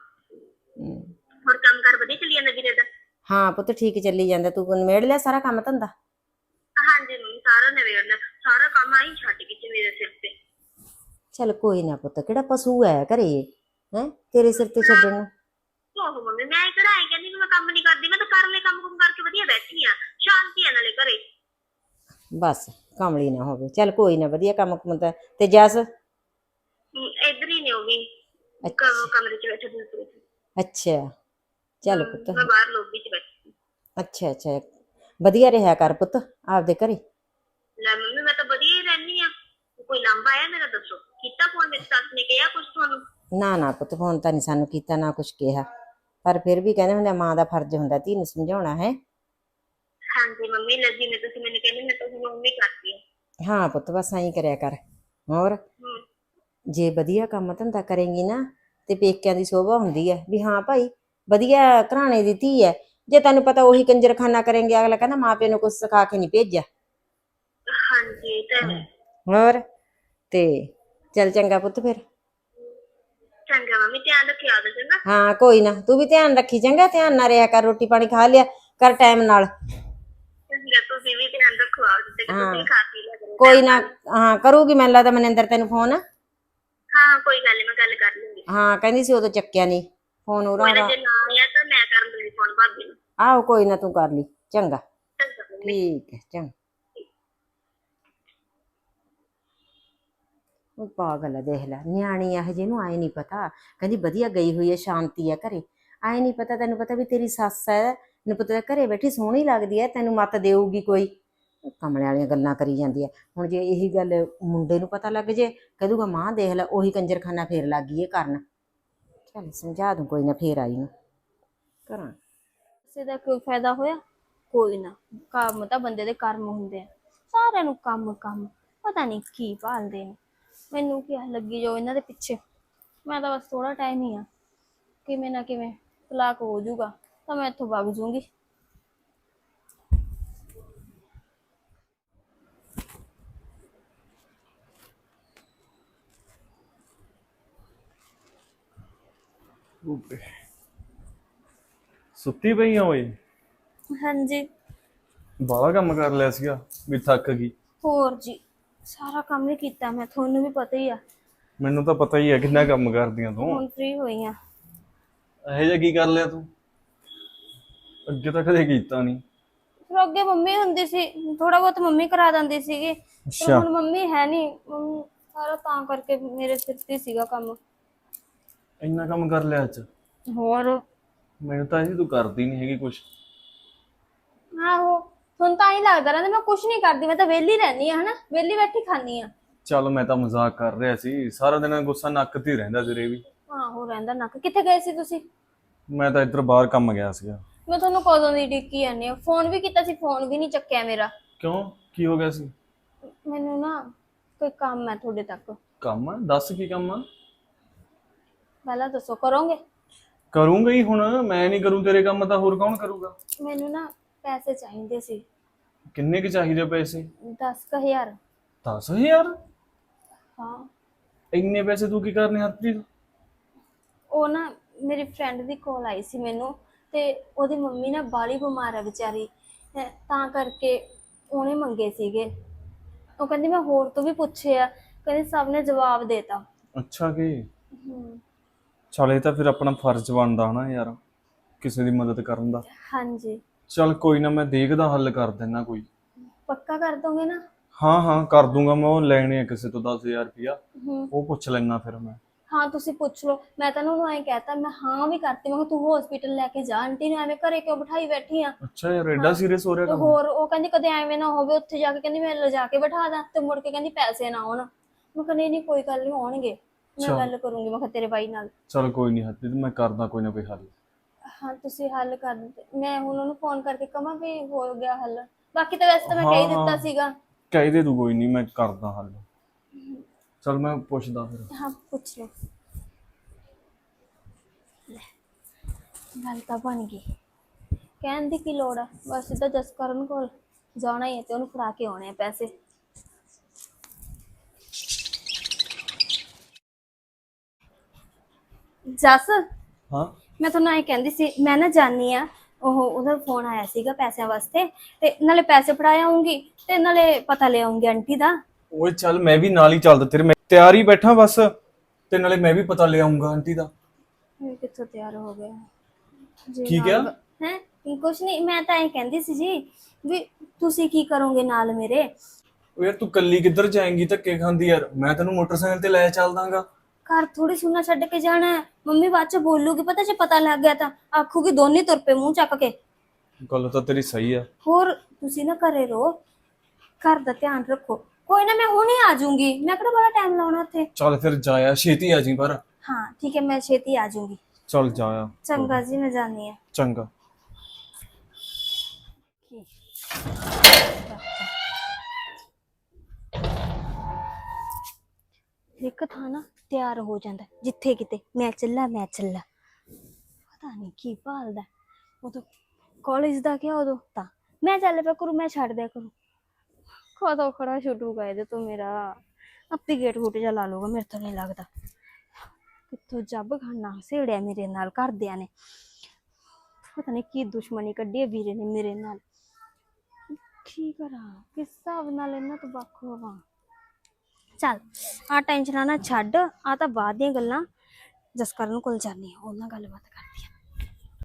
[SPEAKER 4] ਹੋਰ ਕੰਮ ਕਾਰ ਵਧੀਆ ਚੱਲੀ ਜਾਂਦਾ ਵੀਰੇ ਦਾ?
[SPEAKER 3] ਹਾਂ ਪੁੱਤ ਠੀਕ ਚੱਲੀ ਜਾਂਦਾ। ਤੂੰ ਨਿਬੇੜ ਲਿਆ ਸਾਰਾ ਕੰਮ ਧੰਦਾ?
[SPEAKER 4] ਹਾਂਜੀ ਮੰਮੀ, ਸਾਰਾ ਨਿਬੇੜਨਾ, ਸਾਰਾ ਕੰਮ ਆਈ ਛੱਡ ਕੇ ਮੇਰੇ ਸਿਰ ਤੇ।
[SPEAKER 3] ਚੱਲ ਕੋਈ ਨਾ ਪੁੱਤ, ਕਿਹੜਾ ਪਸ਼ੂ ਹੈ ਘਰੇ ਹੈ ਤੇਰੇ ਸਿਰ ਤੇ ਛੱਡਣ ਨੂੰ?
[SPEAKER 4] ਓਹੋ ਮੰਮੀ, ਮੈਂ ਕਿਹੜਾ ਐ ਕਹਿੰਦੀ ਮੈਂ ਕੰਮ ਨਹੀਂ ਕਰਦੀ, ਮੈਂ ਤਾਂ ਕਰ ਲੈ ਕੰਮ ਕੁਮ ਕਰਕੇ ਵਧੀਆ ਬੈਠੀ ਆ, ਸ਼ਾਂਤੀ ਆ ਨਾਲੇ ਘਰੇ।
[SPEAKER 3] ਬਸ ਕਮਲੀ ਨਾ ਹੋਵੇ। ਚੱਲ ਕੋਈ ਨਾ, ਵਧੀਆ ਕੰਮ ਕੁੰਦਾ। ਤੇ ਜਸ?
[SPEAKER 4] ਇੱਧਰ ਹੀ ਨੇ ਉਹ ਵੀ, ਕਮਰੇ ਚ ਬੈਠੇ ਦੂਸਰੇ ਚ।
[SPEAKER 3] ਅੱਛਾ ਚੱਲ ਪੁੱਤ।
[SPEAKER 4] ਮੈਂ ਬਾਹਰ ਲੋਬੀ ਚ ਬੈਠੀ।
[SPEAKER 3] ਅੱਛਾ ਅੱਛਾ, ਵਧੀਆ ਰਿਹਾ ਕਰ ਪੁੱਤ ਆਪਦੇ ਘਰੇ।
[SPEAKER 4] ਲੈ ਮੰਮੀ, ਮੈਂ ਤਾਂ ਵਧੀਆ ਹੀ ਰਹਿਣੀ ਆ। ਕੋਈ ਲਾਂਭਾ ਆਇਆ ਮੇਰਾ ਦੱਸੋ? ਕੀਤਾ ਫੋਨ ਮੇਰੀ ਸੱਸ ਨੇ, ਕਿਹਾ ਕੁਛ ਤੁਹਾਨੂੰ?
[SPEAKER 3] ਨਾ ਨਾ ਪੁੱਤ, ਫੋਨ ਤਾਂ ਨਹੀਂ ਸਾਨੂੰ ਕੀਤਾ, ਨਾ ਕੁਛ ਕਿਹਾ। ਪਰ ਫਿਰ ਵੀ ਕਹਿੰਦੇ ਹੁੰਦੇ ਮਾਂ ਦਾ ਫਰਜ਼ ਹੁੰਦਾ ਧੀ ਨੂੰ ਸਮਝਾਉਣਾ ਹੈ।
[SPEAKER 4] ਹਾਂਜੀ ਮੰਮੀ, ਲੱਗੀ ਨੇ ਤੁਸੀਂ ਮੈਨੂੰ ਕਹਿੰਦੇ, ਮੈਂ ਤਾਂ ਹੁਣ ਮੰਮੀ ਕਰਦੀ ਆ।
[SPEAKER 3] ਹਾਂ ਪੁੱਤ, ਬਸ ਐਂ ਕਰਿਆ ਕਰ। ਹੋਰ ਜੇ ਵਧੀਆ ਕੰਮ ਧੰਦਾ ਕਰੇਂਗੀ ਨਾ, ਤੇ ਪੇਕਿਆਂ ਦੀ ਸ਼ੋਭਾ ਹੁੰਦੀ ਹੈ ਵੀ ਹਾਂ ਭਾਈ ਵਧੀਆ ਘਰਾਣੇ ਦੀ ਧੀ ਹੈ। ਜੇ ਤੈਨੂੰ ਪਤਾ ਉਹੀ ਕੰਜਰਖਾਨਾ ਕਰੇਂਗੇ, ਅਗਲਾ ਕਹਿੰਦਾ ਮਾਂ ਪਿਓ ਨੂੰ ਕੁਛ ਸਿਖਾ ਕੇ ਨਹੀਂ ਭੇਜਿਆ।
[SPEAKER 4] ਹਾਂਜੀ ਇਹ ਤਾਂ ਹੈ।
[SPEAKER 3] ਹੋਰ ਤੇ ਚੱਲ ਚੰਗਾ ਪੁੱਤ ਫਿਰ।
[SPEAKER 4] ਚੰਗਾ ਮੰਮੀ, ਧਿਆਨ ਰੱਖਿਓ ਆਪਦਾ, ਚੰਗਾ?
[SPEAKER 3] ਹਾਂ ਕੋਈ ਨਾ, ਤੂੰ ਵੀ ਧਿਆਨ ਰੱਖੀ ਚੰਗਾ। ਧਿਆਨ ਨਾਲ ਰਿਹਾ ਕਰ, ਰੋਟੀ ਪਾਣੀ ਖਾ ਲਿਆ ਕਰ ਟਾਈਮ ਨਾਲ।
[SPEAKER 4] ਚੰਗਾ, ਤੁਸੀਂ ਵੀ ਧਿਆਨ ਰੱਖੋ ਆਪਦਾ, ਤੇ ਤੁਸੀਂ ਖਾ ਪੀ ਲਿਆ ਕਰੋ
[SPEAKER 3] ਕੋਈ
[SPEAKER 4] time
[SPEAKER 3] ਨਾ।
[SPEAKER 4] ਨਾਲ।
[SPEAKER 3] ਹਾਂ ਕਰੂਗੀ ਮੈਨੂੰ ਲੱਗਦਾ ਮਨਿੰਦਰ ਤੈਨੂੰ ਫੋਨ।
[SPEAKER 4] ਹਾਂ ਕੋਈ ਗੱਲ ਨੀ, ਮੈਂ ਗੱਲ ਕਰ ਲੂੰਗੀ।
[SPEAKER 3] ਹਾਂ ਕਹਿੰਦੀ ਸੀ ਉਦੋਂ ਚੱਕਿਆ ਨਹੀਂ ਫੋਨ
[SPEAKER 4] ਕੋਈ
[SPEAKER 3] ਉਹਦਾ
[SPEAKER 4] ਨਾ,
[SPEAKER 3] ਦਾ।
[SPEAKER 4] ਜੇ ਨਾ ਆਇਆ ਤਾਂ ਮੈਂ ਕਰ ਲੂੰਗੀ ਫੋਨ ਭਾਬੀ ਨੂੰ।
[SPEAKER 3] ਆਹੋ ਕੋਈ ਨਾ, ਤੂੰ ਕਰ ਲਈ ਚੰਗਾ।
[SPEAKER 4] ਚੰਗਾ ਮੰਮੀ।
[SPEAKER 3] ਠੀਕ ਹੈ ਚੰਗਾ। ਉਹ ਪਾਗਲ ਹੈ, ਦੇਖ ਲੈ ਨਿਆਣੀ ਆ ਹਜੇ, ਨੂੰ ਆਏ ਨਹੀਂ ਪਤਾ। ਕਹਿੰਦੀ ਵਧੀਆ ਗਈ ਹੋਈ ਹੈ, ਸ਼ਾਂਤੀ ਹੈ ਘਰੇ। ਆਏ ਨਹੀਂ ਪਤਾ, ਤੈਨੂੰ ਪਤਾ ਵੀ ਤੇਰੀ ਸੱਸ ਹੈ, ਤੈਨੂੰ ਪਤਾ ਘਰੇ ਬੈਠੀ ਸੋਹਣੀ ਲੱਗਦੀ ਹੈ, ਤੈਨੂੰ ਮੱਤ ਦੇਊਗੀ ਕੋਈ। ਕਮਲੇ ਵਾਲੀਆਂ ਗੱਲਾਂ ਕਰੀ ਜਾਂਦੀ ਹੈ। ਹੁਣ ਜੇ ਇਹੀ ਗੱਲ ਮੁੰਡੇ ਨੂੰ ਪਤਾ ਲੱਗ ਜੇ, ਕਹਦੂਗਾ ਮਾਂ ਦੇਖ ਲੈ ਉਹੀ ਕੰਜਰਖਾਨਾ ਫੇਰ ਲੱਗ ਗਈ ਇਹ ਕਰਨ। ਚੱਲ ਸਮਝਾ ਦੂੰ ਕੋਈ ਨਾ, ਫੇਰ ਆਈ ਨੂੰ ਕਰਾਂ।
[SPEAKER 1] ਕਿਸੇ ਦਾ ਕੋਈ ਫਾਇਦਾ ਹੋਇਆ? ਕੋਈ ਨਾ, ਕੰਮ ਤਾਂ ਬੰਦੇ ਦੇ ਕਰਮ ਹੁੰਦੇ ਆ। ਸਾਰਿਆਂ ਨੂੰ ਕੰਮ ਕੰਮ, ਪਤਾ ਨਹੀਂ ਕੀ ਭਾਲਦੇ ਨੇ। ਮੈਨੂੰ ਕੀ ਲੱਗੀ ਜੋ ਇਹਨਾਂ ਦੇ ਪਿੱਛੇ। ਮੈਂ ਤਾਂ ਬਸ ਥੋੜਾ ਟਾਈਮ ਹੀ ਆ, ਕਿਵੇਂ ਨਾ ਕਿਵੇਂ ਤਲਾਕ ਹੋ ਜਾਊਗਾ ਤਾਂ ਮੈਂ ਇੱਥੋਂ ਵਗ ਜੂੰਗੀ।
[SPEAKER 2] ਓਏ ਸੁੱਤੀ ਪਈ ਆ ਓਏ?
[SPEAKER 1] ਹਾਂਜੀ।
[SPEAKER 2] ਬਾਹਲਾ ਕੰਮ ਕਰ ਲਿਆ ਸੀਗਾ ਵੀ ਥੱਕ ਗਈ।
[SPEAKER 1] ਹੋਰ ਜੀ, ਸਾਰਾ ਕੰਮ ਹੀ ਕੀਤਾ ਮੈਂ, ਤੁਹਾਨੂੰ ਵੀ ਪਤਾ ਹੀ ਆ।
[SPEAKER 2] ਮੈਨੂੰ ਤਾਂ ਪਤਾ ਹੀ ਹੈ ਕਿੰਨਾ ਕੰਮ ਕਰਦੀਆਂ ਤੂੰ।
[SPEAKER 1] ਹੁਣ ਫ੍ਰੀ ਹੋਈ ਆ।
[SPEAKER 2] ਇਹੋ ਜਿਹਾ ਕੀ ਕਰ ਲਿਆ ਤੂੰ? ਅੱਗੇ ਤਾਂ ਕਦੇ ਕੀਤਾ ਨਹੀਂ।
[SPEAKER 1] ਫਿਰ ਅੱਗੇ ਮੰਮੀ ਹੁੰਦੀ ਸੀ, ਥੋੜਾ ਬਹੁਤ ਮੰਮੀ ਕਰਾ ਦਿੰਦੀ ਸੀਗੀ, ਪਰ ਹੁਣ ਮੰਮੀ ਹੈ ਨਹੀਂ। ਮੰਮੀ ਸਾਰਾ ਤਾਂ ਕਰਕੇ ਮੇਰੇ ਸਿਰ ਤੇ ਸੀਗਾ ਕੰਮ।
[SPEAKER 2] ਇੰਨਾ ਕੰਮ ਕਰ ਲਿਆ ਅੱਜ?
[SPEAKER 1] ਹੋਰ
[SPEAKER 2] ਮੈਨੂੰ ਤਾਂ ਇਹ ਤੂੰ ਕਰਦੀ ਨਹੀਂ ਹੈਗੀ ਕੁਛ।
[SPEAKER 1] ਆਹੋ, ਹੁਣ ਤਾਂ ਹੀ ਲੱਗਦਾ ਰਹਿੰਦਾ ਮੈਂ ਕੁਛ ਨਹੀਂ ਕਰਦੀ, ਮੈਂ ਤਾਂ ਵਿਹਲੀ ਰਹਿੰਦੀ ਆ, ਹਨਾ, ਵਿਹਲੀ ਬੈਠੀ ਖਾਂਦੀ ਆ।
[SPEAKER 2] ਚੱਲ ਮੈਂ ਤਾਂ ਮਜ਼ਾਕ ਕਰ ਰਿਹਾ ਸੀ, ਸਾਰਾ ਦਿਨ ਗੁੱਸਾ ਨੱਕ ਤੇ ਹੀ ਰਹਿੰਦਾ ਤੇਰੇ ਵੀ।
[SPEAKER 1] ਆਹੋ ਰਹਿੰਦਾ ਨੱਕ। ਕਿੱਥੇ ਗਏ ਸੀ ਤੁਸੀਂ?
[SPEAKER 2] ਮੈਂ ਤਾਂ ਇੱਧਰ ਬਾਹਰ ਕੰਮ ਗਿਆ ਸੀਗਾ।
[SPEAKER 1] ਮੈਂ ਤੁਹਾਨੂੰ ਕਦੋਂ ਦੀ ਡਿੱਕੀ ਜਾਂਦੀ ਆ, ਫੋਨ ਵੀ ਕੀਤਾ ਸੀ, ਫੋਨ ਵੀ ਨਹੀਂ ਚੱਕਿਆ ਮੇਰਾ।
[SPEAKER 2] ਕਿਉਂ, ਕੀ ਹੋ ਗਿਆ ਸੀ?
[SPEAKER 1] ਮੈਨੂੰ ਨਾ ਕੋਈ ਕੰਮ ਹੈ ਤੁਹਾਡੇ ਤੱਕ।
[SPEAKER 2] ਕੰਮ ਆ? ਦੱਸ ਕੀ ਕੰਮ ਆ?
[SPEAKER 1] ਪਹਿਲਾਂ ਦੱਸੋ, ਕਰੋਗੇ?
[SPEAKER 2] ਕਰੂੰਗਾ ਹੀ ਹੁਣ, ਮੈਂ ਨਹੀਂ ਕਰੂੰ ਤੇਰੇ ਕੰਮ ਤਾਂ ਹੋਰ ਕੌਣ ਕਰੂਗਾ?
[SPEAKER 1] ਮੈਨੂੰ ਨਾ ਪੈਸੇ ਚਾਹੀਦੇ ਸੀ।
[SPEAKER 2] ਕਿੰਨੇ ਕੁ ਚਾਹੀਦੇ ਪੈਸੇ?
[SPEAKER 1] 10,000।
[SPEAKER 2] 10,000?
[SPEAKER 1] ਹਾਂ।
[SPEAKER 2] ਇੰਨੇ ਪੈਸੇ ਤੂੰ ਕੀ ਕਰਨੇ ਹਰਪ੍ਰੀਤ?
[SPEAKER 1] ਉਹ ਨਾ ਮੇਰੀ ਫਰੈਂਡ ਦੀ ਕਾਲ ਆਈ ਸੀ ਮੈਨੂੰ, ਤੇ ਉਹਦੀ ਮੰਮੀ ਨਾ ਬਾਲੀ ਬਿਮਾਰ ਹੈ ਵਿਚਾਰੀ, ਤਾਂ ਕਰਕੇ ਉਹਨੇ ਮੰਗੇ ਸੀਗੇ। ਉਹ ਕਹਿੰਦੀ ਮੈਂ ਹੋਰ ਤੋਂ ਵੀ ਪੁੱਛੇ ਆ, ਕਹਿੰਦੀ ਸਭ ਨੇ ਜਵਾਬ ਦੇਤਾ।
[SPEAKER 2] ਅੱਛਾ ਕੀ? ਚੱਲ ਇਹ ਤਾਂ ਫਿਰ ਆਪਣਾ ਫਰਜ਼ ਬਣਦਾ ਹਨਾ ਯਾਰ, ਕਿਸੇ ਦੀ ਮਦਦ ਕਰਨ ਦਾ।
[SPEAKER 1] ਹਾਂਜੀ।
[SPEAKER 2] ਚੱਲ ਕੋਈ ਨਾ, ਮੈਂ ਦੇਖਦਾ ਹੱਲ ਕਰ ਦਿੰਦਾ ਕੋਈ।
[SPEAKER 1] ਪੱਕਾ ਕਰ ਦੋਗੇ ਨਾ?
[SPEAKER 2] ਹਾਂ ਹਾਂ ਕਰ ਦੂੰਗਾ ਮੈਂ। ਉਹ ਲੈਣੇ ਆ ਕਿਸੇ ਤੋਂ 10,000 ਰੁਪਇਆ,
[SPEAKER 1] ਹੂੰ।
[SPEAKER 2] ਉਹ ਪੁੱਛ ਲੈਣਾ ਫਿਰ ਮੈਂ।
[SPEAKER 1] ਹਾਂ ਤੁਸੀਂ ਪੁੱਛ ਲਓ। ਮੈਂ ਤਾਂ ਉਹਨੂੰ ਐਂ ਕਹਿਤਾ, ਮੈਂ ਹਾਂ ਵੀ ਕਰਤੀ, ਮੈਂ ਕਿਹਾ ਤੂੰ ਹਸਪੀਟਲ ਲੈ ਕੇ ਜਾ ਆਂਟੀ ਨੂੰ, ਐਵੇਂ ਘਰੇ ਕਿਉਂ ਬਿਠਾਈ ਬੈਠੀ ਆ।
[SPEAKER 2] ਅੱਛਾ ਯਾਰ, ਐਡਾ ਸੀਰੀਅਸ ਹੋ ਰਿਹਾ
[SPEAKER 1] ਤੇ
[SPEAKER 2] ਕੰਮ?
[SPEAKER 1] ਹੋਰ ਉਹ ਕਹਿੰਦੀ ਕਦੇ ਐਵੇਂ ਨਾ ਹੋਵੇ ਉੱਥੇ ਜਾ ਕੇ, ਕਹਿੰਦੀ ਮੈਂ ਲਿਜਾ ਕੇ ਬਿਠਾ ਦਾਂ, ਤੇ ਮੁੜ ਕੇ ਕਹਿੰਦੀ ਪੈਸੇ ਨਾ ਆਉਣ। ਮੈਂ ਕਹਿੰਦੀ ਨਹੀਂ ਕੋਈ ਗੱਲ ਨਹੀਂ, ਆਉਣਗੇ, ਮੈਂ ਗੱਲ ਕਰੂੰਗੀ, ਮੈਂ ਕਿਹਾ ਤੇਰੇ ਬਾਈ ਨਾਲ।
[SPEAKER 2] ਚਲ ਕੋਈ ਨਹੀਂ ਹਰਪ੍ਰੀਤ, ਮੈਂ ਕਰਦਾ ਕੋਈ ਨਾ ਕੋਈ ਹੱਲ।
[SPEAKER 1] ਹਾਂ ਤੁਸੀਂ ਹੱਲ ਕਰ ਦਿਓ। ਮੈਂ ਹੁਣ ਉਹਨੂੰ ਫੋਨ ਕਰਕੇ ਕਹਾਂ ਵੀ ਹੋ ਗਿਆ ਹੱਲ। ਬਾਕੀ ਤਾਂ ਵੈਸੇ ਤਾਂ ਮੈਂ ਕਹਿ ਹੀ ਦਿੱਤਾ ਸੀਗਾ।
[SPEAKER 2] ਕਹਿ ਦੇ ਤੂੰ, ਕੋਈ ਨਹੀਂ ਮੈਂ ਕਰਦਾ ਹੱਲ। ਚਲ ਮੈਂ ਪੁੱਛਦਾ ਫਿਰ।
[SPEAKER 1] ਹਾਂ ਪੁੱਛ ਲਓ। ਗੱਲ ਤਾਂ ਬਣ ਗਈ, ਕਹਿਣ ਦੀ ਕੀ ਲੋੜ ਆ, ਬਸ ਸਿੱਧਾ ਜਸਕਰਨ ਕੋਲ ਜਾਣਾ ਹੀ ਹੈ ਤੇ ਉਹਨੂੰ ਫੜਾ ਕੇ ਆਉਣੇ ਆ ਪੈਸੇ। ਜਸ,
[SPEAKER 2] ਹਾਂ
[SPEAKER 1] ਮੈਂ ਤੁਹਾਨੂੰ ਐਂ ਕਹਿੰਦੀ ਸੀ, ਮੈਂ ਨਾ ਜਾਣੀ ਆ, ਉਹਦਾ ਫੋਨ ਆਇਆ ਸੀਗਾ ਪੈਸਿਆਂ ਵਾਸਤੇ, ਤੇ ਨਾਲੇ ਪੈਸੇ ਫੜਾ ਆਉਂਗੀ ਤੇ ਨਾਲੇ ਪਤਾ ਲੈ ਆਉਂਗੀ ਆਂਟੀ ਦਾ।
[SPEAKER 2] ਓਏ ਚੱਲ ਮੈਂ ਵੀ ਨਾਲ ਹੀ ਚੱਲਦਾ ਤੇਰੇ, ਮੈਂ ਤਿਆਰ ਹੀ ਬੈਠਾ ਬਸ, ਤੇ ਨਾਲੇ ਮੈਂ ਵੀ ਪਤਾ ਲੈ ਆਉਂਗਾ ਆਂਟੀ ਦਾ।
[SPEAKER 1] ਇਹ ਕਿੱਥੋਂ ਤਿਆਰ ਹੋ ਗਿਆ ਜੀ?
[SPEAKER 2] ਕੀ ਕਿਹਾ?
[SPEAKER 1] ਹੈ ਕੁਛ ਨਹੀਂ, ਮੈਂ ਤਾਂ ਐਂ ਕਹਿੰਦੀ ਸੀ ਜੀ ਵੀ ਤੁਸੀਂ ਕੀ ਕਰੋਗੇ ਨਾਲ ਮੇਰੇ?
[SPEAKER 2] ਓ ਯਾਰ ਤੂੰ ਕੱਲੀ ਕਿੱਧਰ ਜਾਏਂਗੀ ਧੱਕੇ ਖਾਂਦੀ ਯਾਰ? ਮੈਂ ਤੈਨੂੰ ਮੋਟਰਸਾਈਕਲ ਤੇ ਲੈ ਚੱਲਦਾਗਾ।
[SPEAKER 1] ਘਰ ਥੋੜੀ ਸੁਣਾ ਛੱਡ ਕੇ ਜਾਣਾ ਹੈ, ਮੰਮੀ ਬਾਅਦ ਚ ਬੋਲੂਗੀ, ਪਤਾ ਜੇ ਪਤਾ ਲੱਗ ਗਿਆ ਤਾਂ ਆਖੂਗੀ ਦੋਨੇ ਤੁਰ ਪਏ ਮੂੰਹ ਚੱਕ ਕੇ।
[SPEAKER 2] ਗੱਲ ਤਾਂ ਤੇਰੀ ਸਹੀ ਆ।
[SPEAKER 1] ਹੋਰ ਤੁਸੀਂ ਨਾ ਘਰੇ ਰਹੋ, ਘਰ ਦਾ ਧਿਆਨ ਰੱਖੋ। ਕੋਈ ਨਾ, ਮੈਂ ਹੁਣੇ ਆ ਜਾਊਂਗੀ, ਮੈਂ ਕਿਹੜਾ ਬੜਾ ਟਾਈਮ ਲਾਉਣਾ ਉੱਥੇ।
[SPEAKER 2] ਚੱਲ ਫਿਰ ਜਾਇਆ, ਛੇਤੀ ਆ ਜੀ ਪਰ।
[SPEAKER 1] ਹਾਂ ਠੀਕ ਹੈ, ਮੈਂ ਛੇਤੀ ਆ ਜਾਊਂਗੀ।
[SPEAKER 2] ਚੱਲ ਜਾਇਆ।
[SPEAKER 1] ਚੰਗਾ ਜੀ, ਮੈਂ ਜਾਣੀ ਆ।
[SPEAKER 2] ਚੰਗਾ।
[SPEAKER 1] ਇੱਕ ਥਾਂ ਨਾ ਤਿਆਰ ਹੋ ਜਾਂਦਾ, ਜਿੱਥੇ ਕਿਤੇ ਮੈਂ ਚੱਲਾ ਮੈਂ ਚੱਲਾ, ਪਤਾ ਨਹੀਂ ਕੀ ਭਾਲਦਾ। ਉਦੋਂ ਕਾਲਜ ਦਾ ਗਿਆ, ਉਦੋਂ ਤਾਂ ਮੈਂ ਚੱਲ ਪਿਆ ਕਰੂ, ਮੈਂ ਛੱਡ ਦਿਆ ਕਰੂ। ਕਦੋਂ ਖੜਾ ਛੁੱਟੂਗਾ ਇਹਦੇ ਤੋਂ ਮੇਰਾ, ਆਪੇ ਗੇਟ ਗੂਟ ਜਾ ਲਾ ਲੂਗਾ, ਮੇਰੇ ਤੋਂ ਨਹੀਂ ਲੱਗਦਾ। ਕਿੱਥੋਂ ਜੱਬ ਖਾਨਾ ਸੇੜਿਆ ਮੇਰੇ ਨਾਲ ਘਰਦਿਆਂ ਨੇ, ਪਤਾ ਨਹੀਂ ਕੀ ਦੁਸ਼ਮਣੀ ਕੱਢੀ ਹੈ ਵੀਰੇ ਨੇ ਮੇਰੇ ਨਾਲ। ਕੀ ਕਰਾਂ, ਕਿਸ ਹਿਸਾਬ ਨਾਲ ਇਹਨਾਂ ਤੋਂ ਵੱਖ ਹੋਵਾਂ? ਚੱਲ ਆ ਟੈਨਸ਼ਨਾਂ ਨਾ ਛੱਡ, ਆ ਤਾਂ ਬਾਅਦ ਦੀਆਂ ਗੱਲਾਂ। ਜਸਕਰਨ ਕੋਲ ਜਾਂਦੀ ਆ, ਉਹਨਾਂ ਗੱਲਬਾਤ ਕਰਦੀ ਆ।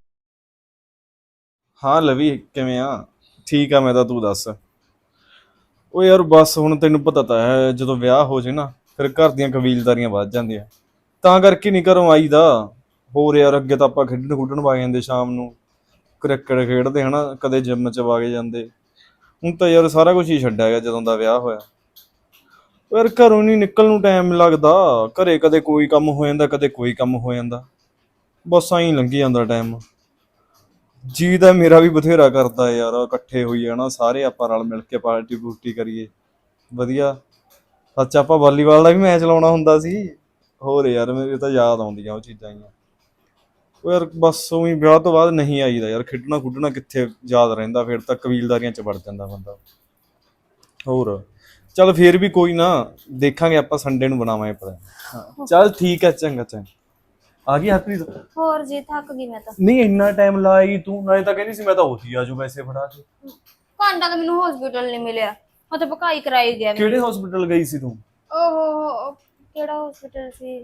[SPEAKER 2] ਹਾਂ ਲਵੀ, ਕਿਵੇਂ ਆ? ਠੀਕ ਆ ਮੈਂ ਤਾਂ, ਤੂੰ ਦੱਸ। ਓ ਯਾਰ ਬਸ ਹੁਣ ਤੈਨੂੰ ਪਤਾ ਤਾਂ ਹੈ, ਜਦੋਂ ਵਿਆਹ ਹੋ ਜੇ ਨਾ ਫਿਰ ਘਰ ਦੀਆਂ ਕਬੀਲਦਾਰੀਆਂ ਵੱਧ ਜਾਂਦੀਆਂ, ਤਾਂ ਕਰਕੇ ਨਹੀਂ ਘਰੋਂ ਆਈਦਾ। ਹੋਰ ਯਾਰ ਅੱਗੇ ਤਾਂ ਆਪਾਂ ਖੇਡਣ ਖੁੱਡਣ ਵਗ ਜਾਂਦੇ ਸ਼ਾਮ ਨੂੰ, ਕ੍ਰਿਕਟ ਖੇਡਦੇ ਹਨਾ, ਕਦੇ ਜਿੰਮ 'ਚ ਵਗ ਜਾਂਦੇ। ਹੁਣ ਤਾਂ ਯਾਰ ਸਾਰਾ ਕੁਝ ਹੀ ਛੱਡਿਆ ਗਿਆ ਜਦੋਂ ਦਾ ਵਿਆਹ ਹੋਇਆ। ਯਾਰ ਘਰੋਂ ਨਹੀਂ ਨਿਕਲਣ ਨੂੰ ਟਾਈਮ ਲੱਗਦਾ, ਘਰੇ ਕਦੇ ਕੋਈ ਕੰਮ ਹੋ ਜਾਂਦਾ, ਕਦੇ ਕੋਈ ਕੰਮ ਹੋ ਜਾਂਦਾ, ਬਸ ਐਂ ਲੰਘੀ ਜਾਂਦਾ ਟਾਈਮ। ਜੀ ਤਾਂ ਮੇਰਾ ਵੀ ਬਥੇਰਾ ਕਰਦਾ ਯਾਰ, ਇਕੱਠੇ ਹੋਈਏ ਨਾ ਸਾਰੇ, ਆਪਾਂ ਰਲ ਮਿਲ ਕੇ ਪਾਰਟੀ ਪੂਰਟੀ ਕਰੀਏ ਵਧੀਆ। ਸੱਚ ਆਪਾਂ ਵਾਲੀਬਾਲ ਦਾ ਵੀ ਮੈਚ ਲਾਉਣਾ ਹੁੰਦਾ ਸੀ। ਹੋਰ ਯਾਰ ਮੇਰੇ ਤਾਂ ਯਾਦ ਆਉਂਦੀਆਂ ਉਹ ਚੀਜ਼ਾਂ ਹੀ। ਉਹ ਯਾਰ ਬਸ ਉਵੇਂ ਵਿਆਹ ਤੋਂ ਬਾਅਦ ਨਹੀਂ ਆਈਦਾ ਯਾਰ, ਖੇਡਣਾ ਖੁੱਡਣਾ ਕਿੱਥੇ ਯਾਦ ਰਹਿੰਦਾ, ਫਿਰ ਤਾਂ ਕਬੀਲਦਾਰੀਆਂ 'ਚ ਵੜ ਜਾਂਦਾ ਬੰਦਾ। ਹੋਰ ਚੱਲ ਫੇਰ ਵੀ ਕੋਈ ਨਾ, ਦੇਖਾਂਗੇ ਆਪਾਂ ਸੰਡੇ ਨੂੰ ਬਣਾਵਾਂਗੇ ਪਤਾ। ਹਾਂ ਚੱਲ ਠੀਕ ਹੈ, ਚੰਗਾ ਚੰਗਾ। ਆ ਗਈ ਹਰਪ੍ਰੀਤ?
[SPEAKER 1] ਹੋਰ ਜੀ ਥੱਕ ਗਈ ਮੈਂ ਤਾਂ।
[SPEAKER 2] ਨਹੀਂ ਇੰਨਾ ਟਾਈਮ ਲਾਈ ਤੂੰ, ਨਾਲੇ ਤਾਂ ਕਹਿੰਦੀ ਸੀ ਮੈਂ ਤਾਂ ਉੱਥੇ ਹੀ ਆਜੂ ਪੈਸੇ ਫੜਾ ਕੇ।
[SPEAKER 1] ਘੰਟਾ ਤਾਂ ਮੈਨੂੰ ਹਸਪੀਟਲ ਨਹੀਂ ਮਿਲਿਆ, ਉੱਥੇ ਭਕਾਈ ਕਰਾਈ ਗਿਆ
[SPEAKER 2] ਕਿਹੜੇ ਹਸਪੀਟਲ ਗਈ ਸੀ ਤੂੰ?
[SPEAKER 1] ਓਹੋ ਕਿਹੜਾ ਹਸਪੀਟਲ ਸੀ,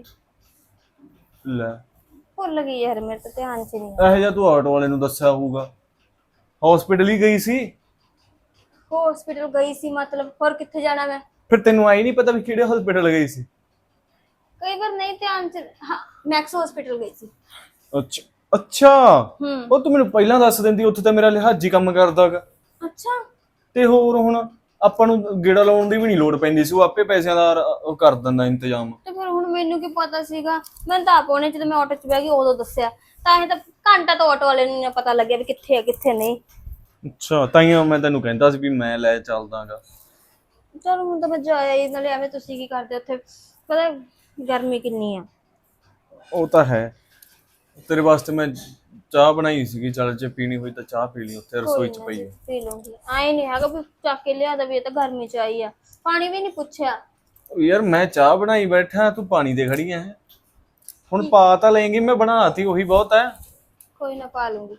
[SPEAKER 2] ਲੈ
[SPEAKER 1] ਭੁੱਲ ਗਈ ਯਾਰ, ਮੇਰੇ ਤਾਂ ਧਿਆਨ 'ਚ ਨਹੀਂ।
[SPEAKER 2] ਇਹੋ ਜਿਹਾ ਤੂੰ ਆਟੋ ਵਾਲੇ ਨੂੰ ਦੱਸਿਆ ਹੋਊਗਾ। ਹਸਪੀਟਲ ਹੀ ਗਈ ਸੀ?
[SPEAKER 1] ਹਸਪੀਟਲ ਗਈ ਸੀ ਮਤਲਬ, ਹੋਰ ਕਿੱਥੇ ਜਾਣਾ ਮੈਂ?
[SPEAKER 2] ਫਿਰ ਤੈਨੂੰ ਆਈ ਨਹੀਂ ਪਤਾ ਵੀ ਕਿਹੜੇ ਹਸਪੀਟਲ ਗਈ ਸੀ?
[SPEAKER 1] ਕਈ ਵਾਰ ਨਹੀਂ ਧਿਆਨ 'ਚ। ਹਾਂ ਮੈਕਸ ਹਸਪੀਟਲ ਗਈ ਸੀ।
[SPEAKER 2] ਅੱਛਾ ਅੱਛਾ,
[SPEAKER 1] ਹੂੰ।
[SPEAKER 2] ਉਹ ਤੂੰ ਮੈਨੂੰ ਪਹਿਲਾਂ ਦੱਸ ਦਿੰਦੀ, ਉੱਥੇ ਤਾਂ ਮੇਰਾ ਲਿਹਾਜੀ ਕੰਮ ਕਰਦਾਗਾ।
[SPEAKER 1] ਅੱਛਾ।
[SPEAKER 2] ਤੇ ਹੋਰ ਹੁਣ ਆਪਾਂ ਨੂੰ ਗੇੜਾ ਲਾਉਣ ਦੀ ਵੀ ਨਹੀਂ ਲੋੜ ਪੈਂਦੀ ਸੀ, ਉਹ ਆਪੇ ਪੈਸਿਆਂ ਦਾ ਉਹ ਕਰ ਦਿੰਦਾ ਇੰਤਜ਼ਾਮ।
[SPEAKER 1] ਤੇ ਫਿਰ ਹੁਣ ਮੈਨੂੰ ਕੀ ਪਤਾ ਸੀਗਾ, ਮੈਨੂੰ ਤਾਂ ਆਪ ਉਹਨੇ ਜਦੋਂ ਮੈਂ ਆਟੋ 'ਚ ਬਹਿ ਗਈ ਉਦੋਂ ਦੱਸਿਆ, ਤਾਂ ਹੀ ਤਾਂ ਘੰਟਾ ਤੋਂ ਆਟੋ ਵਾਲੇ ਨੂੰ ਪਤਾ ਲੱਗਿਆ ਵੀ ਕਿੱਥੇ ਆ ਕਿੱਥੇ ਨਹੀਂ।
[SPEAKER 2] ਅੱਛਾ, ਤਾਈਓ ਮੈਂ ਤੈਨੂੰ ਕਹਿੰਦਾ ਸੀ ਵੀ ਮੈਂ ਲੈ ਚੱਲਦਾਗਾ।
[SPEAKER 1] ਚਲੋ ਹੁਣ ਤਾਂ ਮੈਂ ਜਾਇਆ ਹੀ, ਨਾਲੇ ਐਵੇਂ ਤੁਸੀਂ ਕੀ ਕਰਦੇ ਉੱਥੇ, ਪਤਾ ਗਰਮੀ ਕਿੰਨੀ ਆ।
[SPEAKER 2] ਉਹ ਤਾਂ ਹੈ, ਤੇਰੇ ਵਾਸਤੇ ਮੈਂ ਚਾਹ ਬਣਾਈ ਸੀਗੀ, ਚੱਲ ਜੇ ਪੀਣੀ ਹੋਈ ਤਾਂ ਚਾਹ ਪੀ ਲਈ, ਉੱਥੇ ਰਸੋਈ 'ਚ ਪਈ ਹੈ।
[SPEAKER 1] ਪੀ ਲੂੰਗੀ, ਆਏ ਨਹੀਂ ਹੈਗਾ ਵੀ ਚੱਕ ਕੇ ਲਿਆ ਦਵੇ, ਇਹ ਤਾਂ ਗਰਮੀ 'ਚ ਆਈ ਆ, ਪਾਣੀ ਵੀ ਨਹੀਂ ਪੁੱਛਿਆ।
[SPEAKER 2] ਯਾਰ ਮੈਂ ਚਾਹ ਬਣਾਈ ਬੈਠਾ, ਤੂੰ ਪਾਣੀ ਦੇ ਖੜੀ ਐ। ਹੁਣ ਪਾ ਤਾਂ ਲਏਂਗੀ, ਮੈਂ ਬਣਾਤੀ ਉਹੀ ਬਹੁਤ ਹੈ।
[SPEAKER 1] ਕੋਈ ਨਾ ਪਾ ਲੂੰਗੀ,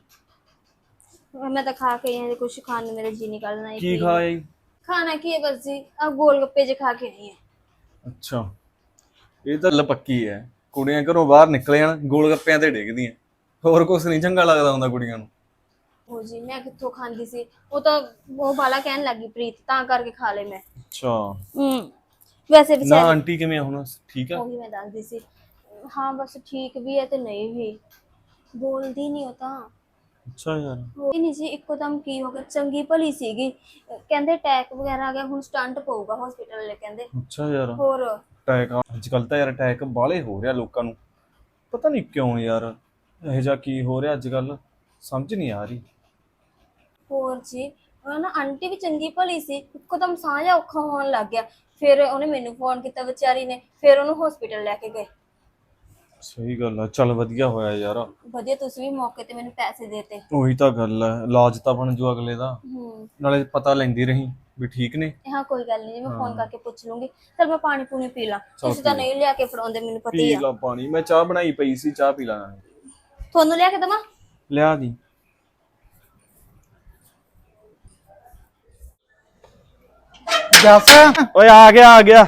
[SPEAKER 1] ਮੈਂ ਤਾਂ ਖਾ ਕੇ ਆਈ ਹਾਂ, ਕੁਛ ਖਾਣ ਨੂੰ ਮੇਰਾ ਜੀ ਨਹੀਂ ਕਰਦਾ।
[SPEAKER 2] ਕੀ ਖਾਇਆ?
[SPEAKER 1] ਖਾਣਾ ਕੀ ਹੈ ਬਸ ਜੀ, ਆ ਗੋਲ ਗੱਪੇ ਜੇ ਖਾ ਕੇ ਆਈ ਹਾਂ।
[SPEAKER 2] ਅੱਛਾ, ਇਹ ਤਾਂ ਲਪੱਕੀ ਹੈ, ਕੁੜੀਆਂ ਘਰੋਂ ਬਾਹਰ ਨਿਕਲ ਜਾਣ ਗੋਲ ਗੱਪਿਆਂ ਤੇ ਡਿੱਗਦੀਆਂ, ਹੋਰ ਕੁਛ ਨਹੀਂ ਚੰਗਾ ਲੱਗਦਾ ਹੁੰਦਾ ਕੁੜੀਆਂ ਨੂੰ।
[SPEAKER 1] ਹੋ ਜੀ ਮੈਂ ਕਿੱਥੋਂ ਖਾਂਦੀ ਸੀ, ਉਹ ਤਾਂ ਉਹ ਬਾਲਾ ਕਹਿਣ ਲੱਗੀ ਪ੍ਰੀਤ, ਤਾਂ ਕਰਕੇ ਖਾ ਲਏ ਮੈਂ।
[SPEAKER 2] ਅੱਛਾ,
[SPEAKER 1] ਵੈਸੇ
[SPEAKER 2] ਨਾ
[SPEAKER 1] ਵਿਚਾਰੀ
[SPEAKER 2] ਆਂਟੀ ਕਿਵੇਂ ਆ ਹੁਣ, ਠੀਕ ਆ?
[SPEAKER 1] ਉਹੀ ਮੈਂ ਦੱਸਦੀ ਸੀ, ਹਾਂ ਬਸ ਠੀਕ ਵੀ ਹੈ ਤੇ ਨਹੀਂ ਵੀ, ਬੋਲਦੀ ਨਹੀਂ ਉਹ ਤਾਂ।
[SPEAKER 2] ਅੱਛਾ ਯਾਰ,
[SPEAKER 1] ਹੋਈ ਨਹੀਂ ਸੀ, ਇੱਕੋ ਦਮ ਕੀ ਹੋ ਗਿਆ, ਚੰਗੀ ਭਲੀ ਸੀਗੀ, ਕਹਿੰਦੇ ਅਟੈਕ ਵਗੈਰਾ ਆ ਗਿਆ, ਹੁਣ ਸਟੰਟ ਪਊਗਾ ਹਸਪੀਟਲ ਵਾਲੇ ਕਹਿੰਦੇ।
[SPEAKER 2] ਅੱਛਾ ਯਾਰ,
[SPEAKER 1] ਹੋਰ
[SPEAKER 2] ਅਟੈਕ ਅੱਜ ਕੱਲ ਤਾਂ ਯਾਰ ਅਟੈਕ ਬਾਹਲੇ ਹੋ ਰਿਹਾ ਲੋਕਾਂ ਨੂੰ, ਪਤਾ ਨਹੀਂ ਕਿਉਂ ਯਾਰ, ਇਹੋ ਜਿਹਾ ਕੀ ਹੋ ਰਿਹਾ ਅੱਜ ਕੱਲ, ਸਮਝ ਨਹੀਂ ਆ ਰਹੀ।
[SPEAKER 1] ਹੋਰ ਜੀ, ਉਹ ਨਾ ਆਂਟੀ ਵੀ ਚੰਗੀ ਭਲੀ ਸੀ, ਇੱਕਦਮ ਸਾਹ ਜਿਹਾ ਔਖਾ ਹੋਣ ਲੱਗ ਗਿਆ, ਫਿਰ ਉਹਨੇ ਮੈਨੂੰ ਫੋਨ ਕੀਤਾ ਵਿਚਾਰੀ ਨੇ, ਫਿਰ ਉਹਨੂੰ ਹਸਪੀਟਲ ਲੈ ਕੇ ਗਏ।
[SPEAKER 2] ਸਹੀ ਗੱਲ ਆ, ਚੱਲ ਵਧੀਆ ਹੋਇਆ ਯਾਰ।
[SPEAKER 1] ਵਧੀਆ, ਤੁਸੀਂ ਵੀ ਮੌਕੇ ਤੇ ਮੈਨੂੰ ਪੈਸੇ ਦੇਤੇ।
[SPEAKER 2] ਉਹੀ ਤਾਂ ਗੱਲ ਹੈ, ਇਲਾਜ ਤਾਂ ਬਣ ਜੂ ਅਗਲੇ ਦਾ, ਨਾਲੇ ਪਤਾ ਲੈਂਦੀ ਰਹੀ ਵੀ ਠੀਕ ਨੇ।
[SPEAKER 1] ਹਾਂ ਕੋਈ ਗੱਲ ਨਹੀਂ, ਮੈਂ ਫੋਨ ਕਰਕੇ ਪੁੱਛ ਲੂੰਗੀ। ਚਲ ਮੈਂ ਪਾਣੀ ਪੂਣੀ ਪੀ ਲਾਂ, ਤੁਸੀਂ ਤਾਂ ਨਹੀਂ ਲਿਆ ਕੇ ਫੜਾਉਂਦੇ, ਮੈਨੂੰ ਪਤਾ ਹੀ
[SPEAKER 2] ਪੀ
[SPEAKER 1] ਆ।
[SPEAKER 2] ਲਾ ਪਾਣੀ, ਮੈਂ ਚਾਹ ਬਣਾਈ ਪਈ ਸੀ, ਚਾਹ ਪੀ ਲਾ।
[SPEAKER 1] ਤੁਹਾਨੂੰ ਲਿਆ ਕੇ ਦੇਵਾਂ?
[SPEAKER 2] ਲਿਆ ਦੀ।
[SPEAKER 5] ਜੱਸ
[SPEAKER 2] ਓਏ ਆ ਗਿਆ ਆ ਗਿਆ।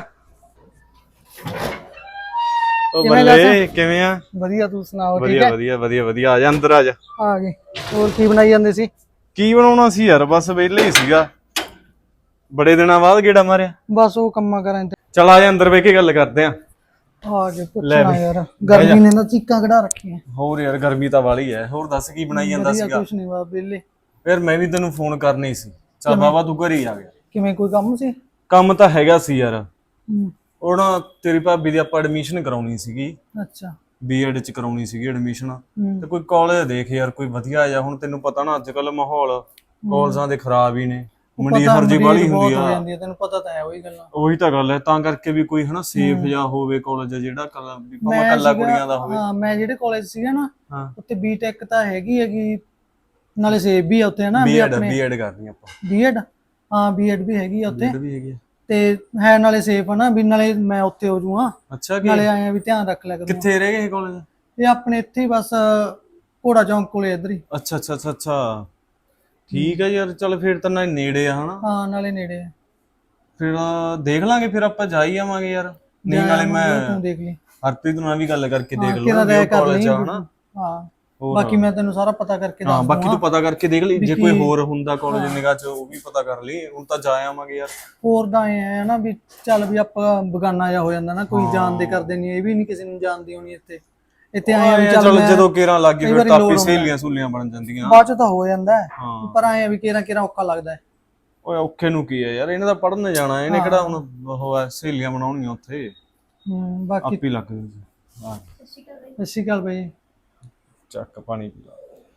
[SPEAKER 2] ਓ
[SPEAKER 5] ਕਿਵੇਂ
[SPEAKER 2] ਬੱਲੇ, ਕਿਵੇਂ ਆ?
[SPEAKER 5] ਵਧੀਆ, ਤੂੰ ਸੁਣਾਓ? ਠੀਕ
[SPEAKER 2] ਵਧੀਆ
[SPEAKER 5] ਹੈ,
[SPEAKER 2] ਵਧੀਆ ਵਧੀਆ ਵਧੀਆ, ਆ ਜਾ ਅੰਦਰ ਆ ਜਾ।
[SPEAKER 5] ਆ ਗਏ। ਹੋਰ ਕੀ ਬਣਾਈ ਜਾਂਦੇ ਸੀ?
[SPEAKER 2] ਕੀ ਬਣਾਉਣਾ ਸੀ ਯਾਰ, ਬਸ ਵਿਹਲੇ ਹੀ ਸੀਗਾ, ਬੜੇ ਦਿਨਾਂ ਬਾਅਦ ਗੇੜਾ ਮਾਰਿਆ।
[SPEAKER 5] ਬਸ ਉਹ ਕੰਮਾਂ ਕਰਾਂ ਤੇ
[SPEAKER 2] ਚਲ ਆ ਜਾ ਅੰਦਰ ਬਹਿ ਕੇ ਗੱਲ ਕਰਦੇ ਆ।
[SPEAKER 5] ਆ ਕੇ
[SPEAKER 2] ਲੈ
[SPEAKER 5] ਪੁੱਛਣਾ
[SPEAKER 2] ਬਈ,
[SPEAKER 5] ਯਾਰ, ਗਰਮੀ ਨੇ ਤਾਂ ਚੀਕਾਂ ਕਢਾ ਰੱਖੀਆਂ।
[SPEAKER 2] ਹੋਰ ਯਾਰ ਗਰਮੀ ਤਾਂ ਵਾਲੀ ਐ। ਹੋਰ ਦੱਸ ਕੀ ਬਣਾਈ ਜਾਂਦਾ
[SPEAKER 5] ਵਧੀਆ,
[SPEAKER 2] ਸੀਗਾ?
[SPEAKER 5] ਕੁਛ ਨਹੀਂ ਬਾ ਵਿਹਲੇ।
[SPEAKER 2] ਯਾਰ ਮੈਂ ਵੀ ਤੈਨੂੰ ਫੋਨ ਕਰਨੀ ਸੀ, ਚੱਲ ਬਾਬਾ ਤੂੰ ਘਰੇ ਹੀ ਆ ਗਿਆ।
[SPEAKER 5] ਕਿਵੇਂ, ਕੋਈ ਕੰਮ ਸੀ?
[SPEAKER 2] ਕੰਮ ਤਾਂ ਹੈਗਾ ਸੀ ਯਾਰ,
[SPEAKER 5] ਹੂੰ,
[SPEAKER 2] ਉਹ ਨਾ ਤੇਰੀ ਭਾਬੀ ਦੀ ਆਪਾਂ ਐਡਮਿਸ਼ਨ ਕਰਾਉਣੀ ਸੀਗੀ,
[SPEAKER 5] ਅੱਛਾ।
[SPEAKER 2] ਬੀਐਡ ਚ ਕਰਾਉਣੀ ਸੀਗੀ ਐਡਮਿਸ਼ਨ।
[SPEAKER 5] ਹੂੰ,
[SPEAKER 2] ਤੇ ਕੋਈ ਕਾਲਜ ਦੇਖ ਯਾਰ, ਕੋਈ ਵਧੀਆ ਜਿਹਾ। ਹੁਣ ਤੈਨੂੰ ਪਤਾ ਨਾ ਅੱਜ ਕੱਲ ਮਾਹੌਲ ਕਾਲਜਾਂ ਦੇ ਖਰਾਬ ਹੀ ਨੇ, ਮੰਡੀਰ ਜੀ ਬਾਹਲੀ ਹੁੰਦੀ
[SPEAKER 5] ਹੋ
[SPEAKER 2] ਆ।
[SPEAKER 5] ਜਾਂਦੀ ਹੈ, ਤੈਨੂੰ ਪਤਾ ਤਾਂ ਹੈ ਉਹੀ ਗੱਲਾਂ।
[SPEAKER 2] ਉਹੀ ਤਾਂ ਗੱਲ ਹੈ, ਤਾਂ ਕਰਕੇ ਵੀ ਕੋਈ ਹਨਾ ਸੇਫ ਜਾਂ ਹੋਵੇ ਕਾਲਜ, ਜਿਹੜਾ ਕੱਲਾ ਕੁੜੀਆਂ ਦਾ ਹੋਵੇ।
[SPEAKER 5] ਹਾਂ, ਮੈਂ ਜਿਹੜੇ ਕਾਲਜ ਸੀਗਾ ਨਾ,
[SPEAKER 2] ਹਾਂ,
[SPEAKER 5] ਉੱਥੇ ਬੀਟੈਕ ਤਾਂ ਹੈਗੀ, ਨਾਲੇ ਸੇਫ ਵੀ ਆ ਉੱਥੇ, ਹਨਾ ਵੀ
[SPEAKER 2] ਬੀਐਡ
[SPEAKER 5] ਆਪਣੇ।
[SPEAKER 2] ਬੀਐਡ ਕਰਨੀ ਆਪਾਂ।
[SPEAKER 5] ਬੀਐਡ, ਹਾਂ ਬੀਐਡ ਵੀ ਹੈਗੀ ਆ ਉੱਥੇ,
[SPEAKER 2] ਬੀਐਡ ਵੀ ਹੈਗੀ ਆ।
[SPEAKER 5] ਤੇ ਹੈ ਨਾਲੇ ਸੇਫ ਆ ਨਾ, ਵੀ ਨਾਲੇ ਮੈਂ ਉੱਥੇ ਹੋ ਜੂਆਂ,
[SPEAKER 2] ਅੱਛਾ, ਕੀ
[SPEAKER 5] ਨਾਲੇ ਆਏ ਆ ਵੀ ਧਿਆਨ ਰੱਖ ਲਿਆ ਕਰੂੰ।
[SPEAKER 2] ਕਿੱਥੇ ਰਹਿ ਗਏ ਕਾਲਜ?
[SPEAKER 5] ਇਹ ਆਪਣੇ ਇੱਥੇ ਹੀ ਬਸ ਘੋੜਾ ਚੌਂਕ ਕੋਲੇ ਇੱਧਰ ਹੀ।
[SPEAKER 2] ਅੱਛਾ ਅੱਛਾ ਅੱਛਾ ਅੱਛਾ, ਠੀਕ ਹੈ ਯਾਰ, ਚੱਲ ਫਿਰ ਤਾਂ ਨਾਲ ਨੇੜੇ ਆ ਹਨਾ।
[SPEAKER 5] ਹਾਂ, ਨਾਲੇ ਨੇੜੇ ਆ।
[SPEAKER 2] ਫਿਰ ਦੇਖ ਲਾਂਗੇ, ਫਿਰ ਆਪਾਂ ਜਾ ਹੀ ਆਵਾਂਗੇ ਯਾਰ। ਨਹੀਂ ਨਾਲੇ ਮੈਂ
[SPEAKER 5] ਤੂੰ ਦੇਖ ਲਈ,
[SPEAKER 2] ਹਰਪ੍ਰੀਤ ਨਾਲ ਵੀ ਗੱਲ ਕਰਕੇ ਦੇਖ
[SPEAKER 5] ਕਿਹੜਾ
[SPEAKER 2] ਲਵਾਂਗੇ
[SPEAKER 5] ਰਾਇ ਕਰ
[SPEAKER 2] ਕਾਲਜ
[SPEAKER 5] ਲਈ।
[SPEAKER 2] ਆ ਹਨਾ।
[SPEAKER 5] ਹਾਂ,
[SPEAKER 2] ਹੋਰ
[SPEAKER 5] ਬਾਕੀ ਮੈਂ ਤੈਨੂੰ ਸਾਰਾ ਪਤਾ ਕਰਕੇ
[SPEAKER 2] ਹਾਂ,
[SPEAKER 5] ਦੱਸ
[SPEAKER 2] ਬਾਕੀ ਤੂੰ ਪਤਾ ਕਰਕੇ ਦੇਖ ਲਈ, ਜੇ ਕੋਈ ਹੋਰ ਹੁੰਦਾ ਕਾਲਜ ਨਿਗਾਹ ਚ ਉਹ ਵੀ ਪਤਾ ਕਰ ਲਈ। ਹੁਣ ਤਾਂ ਜਾ ਆਵਾਂਗੇ ਯਾਰ।
[SPEAKER 5] ਹੋਰ ਤਾਂ ਐ ਹੈ ਨਾ ਵੀ ਚੱਲ ਵੀ ਆਪਾਂ ਬਗਾਨਾ ਜਾ ਹੋ ਜਾਂਦਾ ਨਾ, ਕੋਈ ਜਾਣਦੇ ਕਰਦੇ ਨਹੀਂ, ਇਹ ਵੀ ਨਹੀਂ ਕਿਸੇ ਨੂੰ ਜਾਣਦੀ ਹੋਣੀ। ਇੱਥੇ ਆਏ ਵੀ
[SPEAKER 2] ਚੱਲ
[SPEAKER 5] ਚੱਲ
[SPEAKER 2] ਜਦੋਂ ਕੇਰਾਂ ਲੱਗ ਗਈ
[SPEAKER 5] ਕਈ
[SPEAKER 2] ਫਿਰ
[SPEAKER 5] ਵਾਰੀ
[SPEAKER 2] ਤਾਂ
[SPEAKER 5] ਲੋੜ
[SPEAKER 2] ਆਪੇ
[SPEAKER 5] ਹੁੰਦਾ।
[SPEAKER 2] ਸਹੇਲੀਆਂ ਸਹੂਲੀਆਂ ਬਣ ਜਾਂਦੀਆਂ।
[SPEAKER 5] ਬਾਅਦ ਚ ਤਾਂ ਹੋ ਜਾਂਦਾ ਹੈ,
[SPEAKER 2] ਹਾਂ,
[SPEAKER 5] ਪਰ ਐ ਵੀ ਕਿਹੜਾ ਔਖਾ ਲੱਗਦਾ ਹੈ।
[SPEAKER 2] ਓਏ ਔਖੇ ਨੂੰ ਕੀ ਹੈ ਯਾਰ, ਇਹਨੇ ਤਾਂ ਪੜ੍ਹਨ ਜਾਣਾ, ਇਹਨੇ ਕਿਹੜਾ ਹੁਣ ਉਹ ਹੈ ਸਹੇਲੀਆਂ ਬਣਾਉਣੀਆਂ ਉੱਥੇ,
[SPEAKER 5] ਬਾਕੀ
[SPEAKER 2] ਆਪੇ ਲੱਗ ਜਾਂਦੀ। ਹਾਂ,
[SPEAKER 5] ਸਤਿ ਸ਼੍ਰੀ ਅਕਾਲ ਬਾਈ।
[SPEAKER 2] ਚੱਕ ਪਾਣੀ ਪੀ ਲਾ।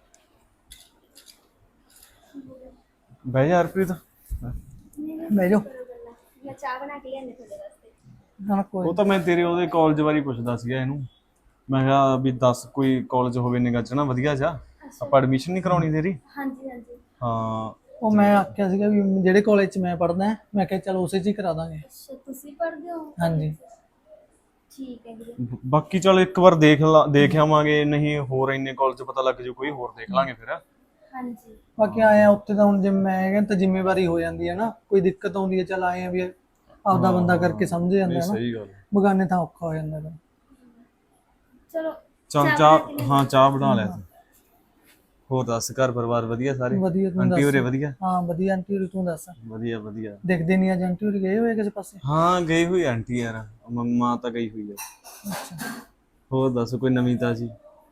[SPEAKER 2] ਬਹਿ ਜਾ ਹਰਪ੍ਰੀਤ।
[SPEAKER 5] ਬਹਿ ਜਾਓ।
[SPEAKER 1] ਮੈਂ ਚਾਹ ਬਣਾ ਕੇ ਲਿਆਂਦੀ ਤੁਹਾਡੇ ਵਾਸਤੇ।
[SPEAKER 5] ਹਾਂ, ਕੋਈ
[SPEAKER 2] ਉਹ ਤਾਂ ਮੈਂ ਤੇਰੇ ਉਹਦੇ ਕਾਲਜ ਬਾਰੇ ਪੁੱਛਦਾ ਸੀਗਾ ਇਹਨੂੰ, ਮੈਂ ਕਿਹਾ ਵੀ ਦੱਸ ਕੋਈ ਕਾਲਜ ਹੋਵੇ ਨਿਗਾਹ ਚ ਨਾ ਵਧੀਆ ਜਾ, ਆਪਾਂ ਐਡਮਿਸ਼ਨ ਨਹੀਂ ਕਰਾਉਣੀ ਤੇਰੀ।
[SPEAKER 1] ਹਾਂਜੀ ਹਾਂਜੀ।
[SPEAKER 2] ਹਾਂ,
[SPEAKER 5] ਉਹ ਮੈਂ ਆਖਿਆ ਸੀਗਾ ਵੀ ਜਿਹੜੇ ਕਾਲਜ 'ਚ ਮੈਂ ਪੜ੍ਹਦਾ, ਮੈਂ ਕਿਹਾ ਚਲ ਉਸੇ 'ਚ ਹੀ ਕਰਾ ਦਾਂਗੇ।
[SPEAKER 1] ਅੱਛਾ, ਤੁਸੀਂ ਪੜ੍ਹਦੇ ਹੋ?
[SPEAKER 5] ਹਾਂਜੀ।
[SPEAKER 1] ਠੀਕ ਹੈ ਵੀਰੇ।
[SPEAKER 2] ਬਾਕੀ ਚਲ ਇੱਕ ਵਾਰ ਦੇਖ ਆਵਾਂਗੇ, ਨਹੀਂ ਹੋਰ ਇੰਨੇ ਕਾਲਜ ਪਤਾ ਲੱਗ ਜੂ ਕੋਈ ਹੋਰ ਦੇਖ ਲਾਂਗੇ ਫਿਰ।
[SPEAKER 1] ਹਾਂਜੀ
[SPEAKER 5] ਬਾਕੀ ਆਏ ਆ ਉੱਥੇ ਤਾਂ ਹੁਣ ਜੇ ਮੈਂ ਕਹਿੰਦਾ ਤਾਂ ਜ਼ਿੰਮੇਵਾਰੀ ਹੋ ਜਾਂਦੀ ਹੈ ਨਾ, ਕੋਈ ਦਿੱਕਤ ਆਉਂਦੀ ਹੈ ਚੱਲ ਆਏ ਆ ਵੀ ਆਪਦਾ ਬੰਦਾ ਕਰਕੇ ਸਮਝ ਜਾਂਦਾ
[SPEAKER 2] ਨਹੀਂ
[SPEAKER 5] ਹੈ ਨਾ,
[SPEAKER 2] ਸਹੀ ਗੱਲ।
[SPEAKER 5] ਬਗਾਨੇ ਤਾਂ ਔਖਾ ਹੋ ਜਾਂਦਾ ਗਾ।
[SPEAKER 1] ਚਲੋ
[SPEAKER 2] ਚਾਹ ਚਾਹ ਬਣਾ ਲਿਆ ਤੂੰ। ਹੋਰ ਦੱਸ, ਘਰ ਪਰਿਵਾਰ ਵਧੀਆ ਸਾਰੇ?
[SPEAKER 5] ਵਧੀਆ, ਤੂੰ
[SPEAKER 2] ਆਂਟੀ
[SPEAKER 5] ਦੱਸ।
[SPEAKER 2] ਹੋਰੇ ਵਧੀਆ?
[SPEAKER 5] ਹਾਂ ਵਧੀਆ ਆਂਟੀ ਹੋਰੀ, ਤੂੰ ਦੱਸ।
[SPEAKER 2] ਵਧੀਆ ਵਧੀਆ।
[SPEAKER 5] ਦੇਖਦੇ ਨਹੀਂ ਅੱਜ ਆਂਟੀ ਹੋਰੀ ਗਏ ਹੋਏ ਕਿਸੇ ਪਾਸੇ?
[SPEAKER 2] ਹਾਂ ਗਈ ਹੋਈ ਆਂਟੀ ਯਾਰ, ਮੰਮਾ ਤਾਂ ਗਈ ਹੋਈ ਹੈ। ਹੋਰ ਦੱਸ ਕੋਈ ਨਵੀਂ ਤਾਜੀ?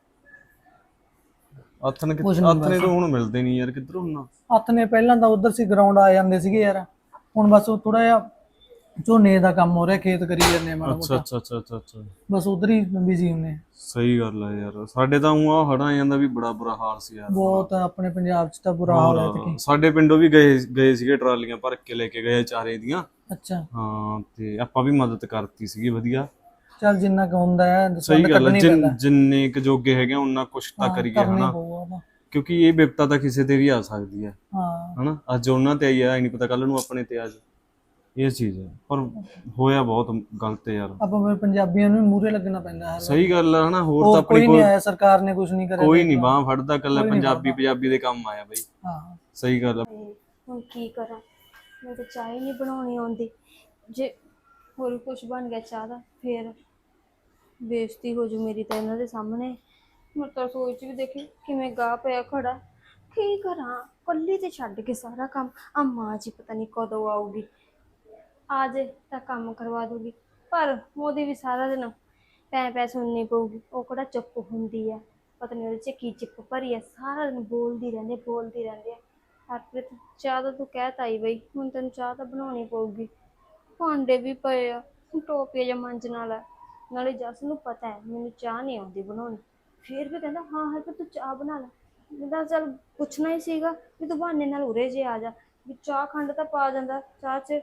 [SPEAKER 2] ਆਥਣੇ ਤੋਂ ਹੁਣ ਮਿਲਦੇ ਨਹੀਂ ਯਾਰ, ਕਿੱਧਰ ਹੁੰਨਾ?
[SPEAKER 5] ਹੱਥ ਨੇ ਪਹਿਲਾਂ ਤਾਂ ਉਧਰ ਸੀ ਗਰਾਊਂਡ ਆ ਜਾਂਦੇ ਸੀਗੇ ਯਾਰ, ਹੁਣ ਬਸ ਉਹ ਥੋੜਾ ਜਿਹਾ ਝੋਨੇ ਦਾ ਕੰਮ ਹੋ ਰਿਹਾ, ਖੇਤ ਕਰੀ ਜਾਂਦੇ ਆ ਮਾੜਾ ਮੋਟਾ,
[SPEAKER 2] ਅੱਛਾ।
[SPEAKER 5] ਬਸ ਉਧਰ ਹੀ ਬਿਜ਼ੀ ਹੁੰਦੇ ਆ।
[SPEAKER 2] ਸਹੀ ਗੱਲ ਹੈ ਯਾਰ, ਸਾਡੇ ਤਾਂ ਉਹ ਹੜ੍ਹਾਂ ਜਾਂਦਾ ਵੀ ਬੜਾ ਬੁਰਾ ਹਾਲ ਸੀ ਯਾਰ।
[SPEAKER 5] ਬਹੁਤ ਆਪਣੇ ਪੰਜਾਬ 'ਚ ਤਾਂ ਬੁਰਾ ਹਾਲ ਹੈ ਤੇ
[SPEAKER 2] ਸਾਡੇ ਪਿੰਡੋਂ ਵੀ ਗਏ ਸੀਗੇ, ਟਰਾਲੀਆਂ ਭਰ ਕੇ ਲੈ ਕੇ ਗਏ ਚਾਰੇ ਦੀਆਂ।
[SPEAKER 5] ਅੱਛਾ
[SPEAKER 2] ਹਾਂ ਤੇ ਆਪਾਂ ਵੀ ਮਦਦ ਕਰਤੀ ਸੀਗੀ ਵਧੀਆ।
[SPEAKER 5] ਚੱਲ ਜਿੰਨਾ ਕੁ ਹੁੰਦਾ ਹੈ
[SPEAKER 2] ਸਹੀ ਗੱਲ
[SPEAKER 5] ਕੱਢਣੀ
[SPEAKER 2] ਹੈ,
[SPEAKER 5] ਪੈਂਦਾ,
[SPEAKER 2] ਜਿੰਨੇ ਕੁ ਜੋਗੇ ਹੈਗੇ ਉਹਨਾਂ ਕੁਛ ਤਾਂ ਕਰੀਏ
[SPEAKER 5] ਕਰਨਾ
[SPEAKER 2] ਹਨਾ,
[SPEAKER 5] ਹੀ ਪਊਗਾ ਉਹਦਾ।
[SPEAKER 2] ਕਿਉਂਕਿ ਇਹ ਵਿਪਤਾ ਤਾਂ ਕਿਸੇ ਤੇ ਵੀ ਆ ਸਕਦੀ ਹੈ
[SPEAKER 5] ਹਾਂ
[SPEAKER 2] ਹਨਾ। ਅੱਜ ਉਹਨਾਂ ਤੇ ਆਈ ਆ, ਨਹੀਂ ਪਤਾ ਕੱਲ ਨੂੰ ਆਪਣੇ ਤੇ ਆ ਜਾਏ, ਇਹ ਚੀਜ਼ ਹੈ। ਪਰ ਹੋਇਆ ਬਹੁਤ ਗਲਤ ਹੈ ਯਾਰ।
[SPEAKER 5] ਆਪਾਂ ਫਿਰ ਪੰਜਾਬੀਆਂ ਨੂੰ ਮੂਹਰੇ ਲੱਗਣਾ ਪੈਂਦਾ ਹੈ।
[SPEAKER 2] ਸਹੀ ਗੱਲ ਹੈ ਹਨਾ। ਹੋਰ ਤਾਂ
[SPEAKER 5] ਕੋਈ
[SPEAKER 2] ਆਪਣੀ
[SPEAKER 5] ਨਹੀਂ ਆਇਆ, ਸਰਕਾਰ ਨੇ ਕੁਝ ਨਹੀਂ ਕਰਿਆ,
[SPEAKER 2] ਕੋਈ ਨਹੀਂ ਬਾਹ ਫੜਦਾ, ਕੱਲਾ ਪੰਜਾਬੀ ਦੇ ਕੰਮ ਆਇਆ ਬਈ।
[SPEAKER 5] ਹਾਂ
[SPEAKER 2] ਸਹੀ ਗੱਲ ਹੈ।
[SPEAKER 1] ਹੁਣ ਕੀ ਕਰਾਂ, ਮੈਂ ਤਾਂ ਚਾਹ ਹੀ ਨਹੀਂ ਬਣਾਉਣੀ ਆਉਂਦੀ। ਜੇ ਹੋਰ ਕੁਝ ਬਣ ਗਿਆ ਚਾਹ ਦਾ ਫੇਰ ਬੇਇੱਜ਼ਤੀ ਹੋ ਜੂ ਮੇਰੀ ਤਾਂ ਇਹਨਾਂ ਦੇ ਸਾਹਮਣੇ। ਮੈਂ ਤਾਂ ਸੋਚ ਵੀ ਦੇਖੀ ਕਿਵੇਂ ਗਾਹ ਪਿਆ ਖੜਾ, ਕੀ ਕਰਾਂ ਕੱਲੀ ਤੇ ਛੱਡ ਕੇ ਸਾਰਾ ਕੰਮ। ਆ ਮਾਂ ਜੀ ਪਤਾ ਨਹੀਂ ਕਦੋਂ ਆਊਗੀ, ਆ ਜੇ ਤਾਂ ਕੰਮ ਕਰਵਾ ਦੂਗੀ, ਪਰ ਉਹਦੀ ਵੀ ਸਾਰਾ ਦਿਨ ਪੈ ਸੁਣਨੀ ਪਊਗੀ। ਉਹ ਕਿਹੜਾ ਚੁੱਪ ਹੁੰਦੀ ਹੈ, ਪਤਾ ਨਹੀਂ ਉਹਦੇ 'ਚ ਕੀ ਚਿੱਪ ਭਰੀ ਹੈ, ਸਾਰਾ ਦਿਨ ਬੋਲਦੀ ਰਹਿੰਦੀ ਹੈ। ਹਰਪ੍ਰੀਤ ਚਾਹ ਤਾਂ ਤੂੰ ਕਹਿ ਤਾਈ ਬਈ, ਹੁਣ ਤੈਨੂੰ ਚਾਹ ਤਾਂ ਬਣਾਉਣੀ ਪਊਗੀ। ਭਾਂਡੇ ਵੀ ਪਏ ਆ, ਟੋਪੀਆ ਜਾਂ ਮਾਂਜਣ ਵਾਲਾ, ਨਾਲੇ ਜੱਸ ਨੂੰ ਪਤਾ ਹੈ ਮੈਨੂੰ ਚਾਹ ਨਹੀਂ ਆਉਂਦੀ ਬਣਾਉਣੀ, ਫਿਰ ਵੀ ਕਹਿੰਦਾ ਹਾਂ ਹਰਪ੍ਰੀਤ ਤੂੰ ਚਾਹ ਬਣਾ ਲੈ। ਮੈਂ ਚੱਲ ਪੁੱਛਣਾ ਹੀ ਸੀਗਾ ਵੀ ਤੂੰ ਬਹਾਨੇ ਨਾਲ ਉਰੇ ਜੇ ਆ ਜਾ, ਵੀ ਚਾਹ ਖੰਡ ਤਾਂ ਪਾ ਜਾਂਦਾ ਚਾਹ 'ਚ।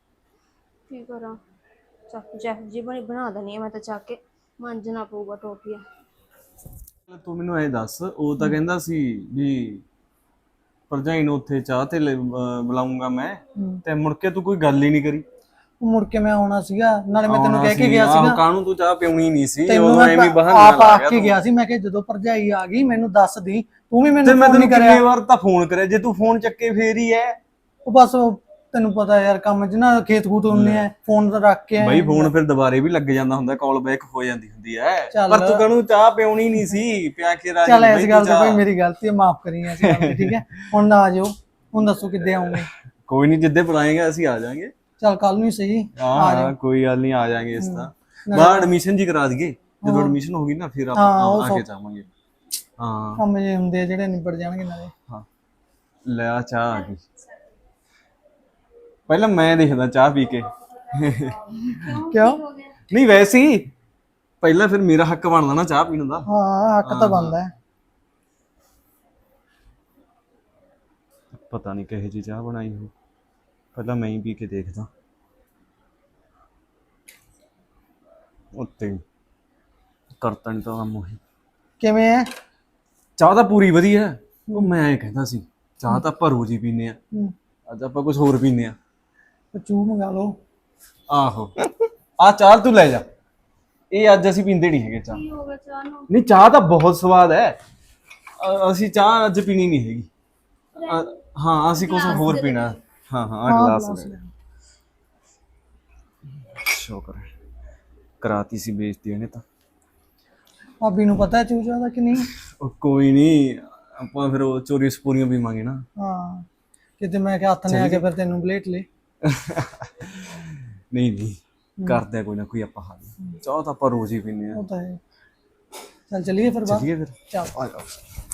[SPEAKER 1] ਕੀ ਕਰਾਂ, ਚੱਕ ਜੀ ਬਣਾ ਦੇਣੀ ਆ ਮੈਂ ਤਾਂ, ਚੱਕ ਕੇ ਮਾਂਜਣਾ ਪਊਗਾ ਟੋਪੀਆ।
[SPEAKER 2] ਤੂੰ ਮੈਨੂੰ ਐ ਦੱਸ, ਉਹ ਤਾਂ ਕਹਿੰਦਾ ਸੀ ਵੀ ਭਰਜਾਈ ਨੂੰ ਉੱਥੇ ਚਾਹ ਤੇ ਬੁਲਾਉਂਗਾ ਮੈਂ, ਤੇ ਮੁੜ ਕੇ ਤੂੰ ਕੋਈ ਗੱਲ ਹੀ ਨਹੀਂ ਕਰੀ।
[SPEAKER 5] ਮੁੜ ਕੇ ਮੈਂ ਆਉਣਾ ਸੀਗਾ, ਨਾਲੇ ਮੈਂ ਤੈਨੂੰ ਕਹਿ ਕੇ ਗਿਆ ਸੀਗਾ
[SPEAKER 2] ਕਾਹਨੂੰ ਤੂੰ ਚਾਹ ਪਿਉਣੀ ਨਹੀਂ ਸੀ,
[SPEAKER 5] ਤੈਨੂੰ
[SPEAKER 2] ਉਹ ਐਵੇਂ ਬਹਾਨਾ
[SPEAKER 5] ਆਪ
[SPEAKER 2] ਲਾ
[SPEAKER 5] ਆ ਕੇ ਗਿਆ ਸੀ। ਮੈਂ ਕਿਹਾ ਜਦੋਂ ਭਰਜਾਈ ਆ ਗਈ ਮੈਨੂੰ ਦੱਸ ਦੀ, ਤੂੰ ਵੀ ਮੈਨੂੰ
[SPEAKER 2] ਮੈਂ
[SPEAKER 5] ਫੋਨ ਨਹੀਂ
[SPEAKER 2] ਤੈਨੂੰ
[SPEAKER 5] ਕਰਿਆ।
[SPEAKER 2] ਕਿੰਨੇ ਵਾਰ ਤਾਂ ਫੋਨ ਕਰਿਆ, ਜੇ ਤੂੰ ਫੋਨ ਚੱਕੇ ਫੇਰ ਹੀ ਐ।
[SPEAKER 5] ਉਹ ਬਸ ਤੈਨੂੰ ਪਤਾ ਯਾਰ ਕੰਮ 'ਚ ਨਾ ਖੇਤ ਖੂਤ ਹੁੰਦੇ ਆ, ਫੋਨ ਤਾਂ ਰੱਖ ਕੇ
[SPEAKER 2] ਬਈ ਫੋਨ ਫਿਰ ਦੁਬਾਰੇ ਵੀ ਲੱਗ ਜਾਂਦਾ ਹੁੰਦਾ, ਕਾਲ ਬੈਕ ਹੋ ਜਾਂਦੀ ਹੁੰਦੀ ਐ।
[SPEAKER 5] ਚੱਲ।
[SPEAKER 2] ਪਰ ਤੂੰ ਕਾਹਨੂੰ ਚਾਹ ਪਿਉਣੀ ਨਹੀਂ ਸੀ, ਪਿਆ ਕੇ ਰਾਜੀ
[SPEAKER 5] ਚੱਲ ਇਸ ਗੱਲ ਤੇ ਭਾਈ ਮੇਰੀ ਗਲਤੀ ਹੈ, ਮਾਫ ਕਰੀ ਇਸ ਗੱਲ ਦੀ, ਠੀਕ ਹੈ। ਹੁਣ ਨਾ ਆ ਜਾਓ, ਹੁਣ ਦੱਸੋ ਕਿੱਦੇ ਆਉਂਗੇ?
[SPEAKER 2] ਕੋਈ ਨਹੀਂ, ਜਿੱਦੇ ਬੁਲਾਏਗਾ ਅਸੀਂ ਆ ਜਾਾਂਗੇ।
[SPEAKER 5] ਚੱਲ ਕੱਲ ਨੂੰ ਹੀ ਸਹੀ
[SPEAKER 2] ਹਾਂ ਕੋਈ ਗੱਲ ਨਹੀਂ, ਆ ਜਾਾਂਗੇ। ਇਸ ਤਾਂ ਬਾਹਰ ਐਡਮਿਸ਼ਨ ਜੀ ਕਰਾ ਦਈਏ, ਜਦੋਂ ਐਡਮਿਸ਼ਨ ਹੋ ਗਈ ਨਾ ਫਿਰ ਆਪਾਂ ਆ ਕੇ ਜਾਵਾਂਗੇ। ਹਾਂ
[SPEAKER 5] ਕੰਮ ਜੇ ਹੁੰਦੇ ਜਿਹੜੇ ਨਿਬੜ ਜਾਣਗੇ ਨਾਲੇ।
[SPEAKER 2] ਹਾਂ ਲੈ ਆ ਚਾਹ ਆ ਗਈ, ਪਹਿਲਾਂ ਮੈਂ ਦੇਖਦਾ ਚਾਹ ਪੀ ਕੇ।
[SPEAKER 5] ਕਿਉਂ?
[SPEAKER 2] ਨਹੀਂ ਵੈਸੇ ਹੀ ਪਹਿਲਾਂ ਫਿਰ ਮੇਰਾ ਹੱਕ ਬਣਦਾ ਨਾ ਚਾਹ ਪੀਣ ਦਾ।
[SPEAKER 5] ਹਾਂ ਹੱਕ ਤਾਂ ਬਣਦਾ ਹੈ।
[SPEAKER 2] ਪਤਾ ਨਹੀਂ ਕਿਹੋ ਜਿਹੀ ਚਾਹ ਬਣਾਈ ਹੋ, ਪਹਿਲਾਂ ਮੈਂ ਹੀ ਪੀ ਕੇ ਦੇਖਦਾ। ਉੱਤੇ ਕਰਤਾ ਨਹੀਂ ਤਾਂ ਕੰਮ ਉਹੀ।
[SPEAKER 5] ਕਿਵੇਂ ਹੈ
[SPEAKER 2] ਚਾਹ ਤਾਂ ਪੂਰੀ ਵਧੀਆ। ਉਹ ਮੈਂ ਕਹਿੰਦਾ ਸੀ ਚਾਹ ਤਾਂ ਆਪਾਂ ਰੋਜ਼ ਹੀ ਪੀਨੇ ਆ, ਅੱਜ ਆਪਾਂ ਕੁਝ ਹੋਰ ਪੀਨੇ ਆ।
[SPEAKER 5] ਚੂ ਮੰਗਾ ਲਓ।
[SPEAKER 2] ਆਹੋ ਆ ਚਾਹ ਤੂੰ ਲੈ ਜਾ, ਇਹ ਅੱਜ ਅਸੀਂ ਪੀਂਦੇ ਨਹੀਂ ਹੈਗੇ ਚਾਹ।
[SPEAKER 1] ਕੀ ਹੋ ਗਿਆ ਚਾਹ ਨੂੰ?
[SPEAKER 2] ਨਹੀਂ ਚਾਹ ਤਾਂ ਬਹੁਤ ਸਵਾਦ ਹੈ, ਅਸੀਂ ਚਾਹ ਅੱਜ ਪੀਣੀ ਨਹੀਂ ਹੈਗੀ। ਹਾਂ ਅਸੀਂ ਕੁਝ ਹੋਰ ਪੀਣਾ। ਹਾਂ ਆ ਗਲਾਸ ਲੈ। ਸ਼ੁਕਰ ਹੈ ਕਰਾਤੀ ਸੀ ਬੇਇੱਜ਼ਤੀ ਇਹਨੇ ਤਾਂ।
[SPEAKER 5] ਭਾਬੀ ਨੂੰ ਪਤਾ ਹੈ ਚੂਚਾ ਦਾ ਕਿ ਨਹੀਂ?
[SPEAKER 2] ਉਹ ਕੋਈ ਨਹੀਂ, ਆਪਾਂ ਫਿਰ ਉਹ ਚੋਰੀ ਸਪੂਰੀਆਂ ਪੀਵਾਂਗੇ ਨਾ।
[SPEAKER 5] ਹਾਂ ਕਿਤੇ ਮੈਂ ਕਿਹਾ ਹੱਥ ਨੇ ਆ ਕੇ ਫਿਰ ਤੈਨੂੰ ਬਲੇਟ ਲੈ।
[SPEAKER 2] ਨਹੀਂ ਕਰਦੇ ਕੋਈ ਨਾ ਕੋਈ ਆਪਾਂ ਹੱਲ, ਚਾਹ ਤਾਂ ਆਪਾਂ ਰੋਜ਼ ਹੀ ਪੀਂਦੇ ਆ।
[SPEAKER 5] ਉਹ ਤਾਂ ਹੈ। ਚੱਲ ਚਲੀਏ ਫਿਰ ਬਾਹਰ।
[SPEAKER 2] ਚਲੀਏ ਫਿਰ,
[SPEAKER 5] ਚੱਲ
[SPEAKER 2] ਆ ਜਾਓ।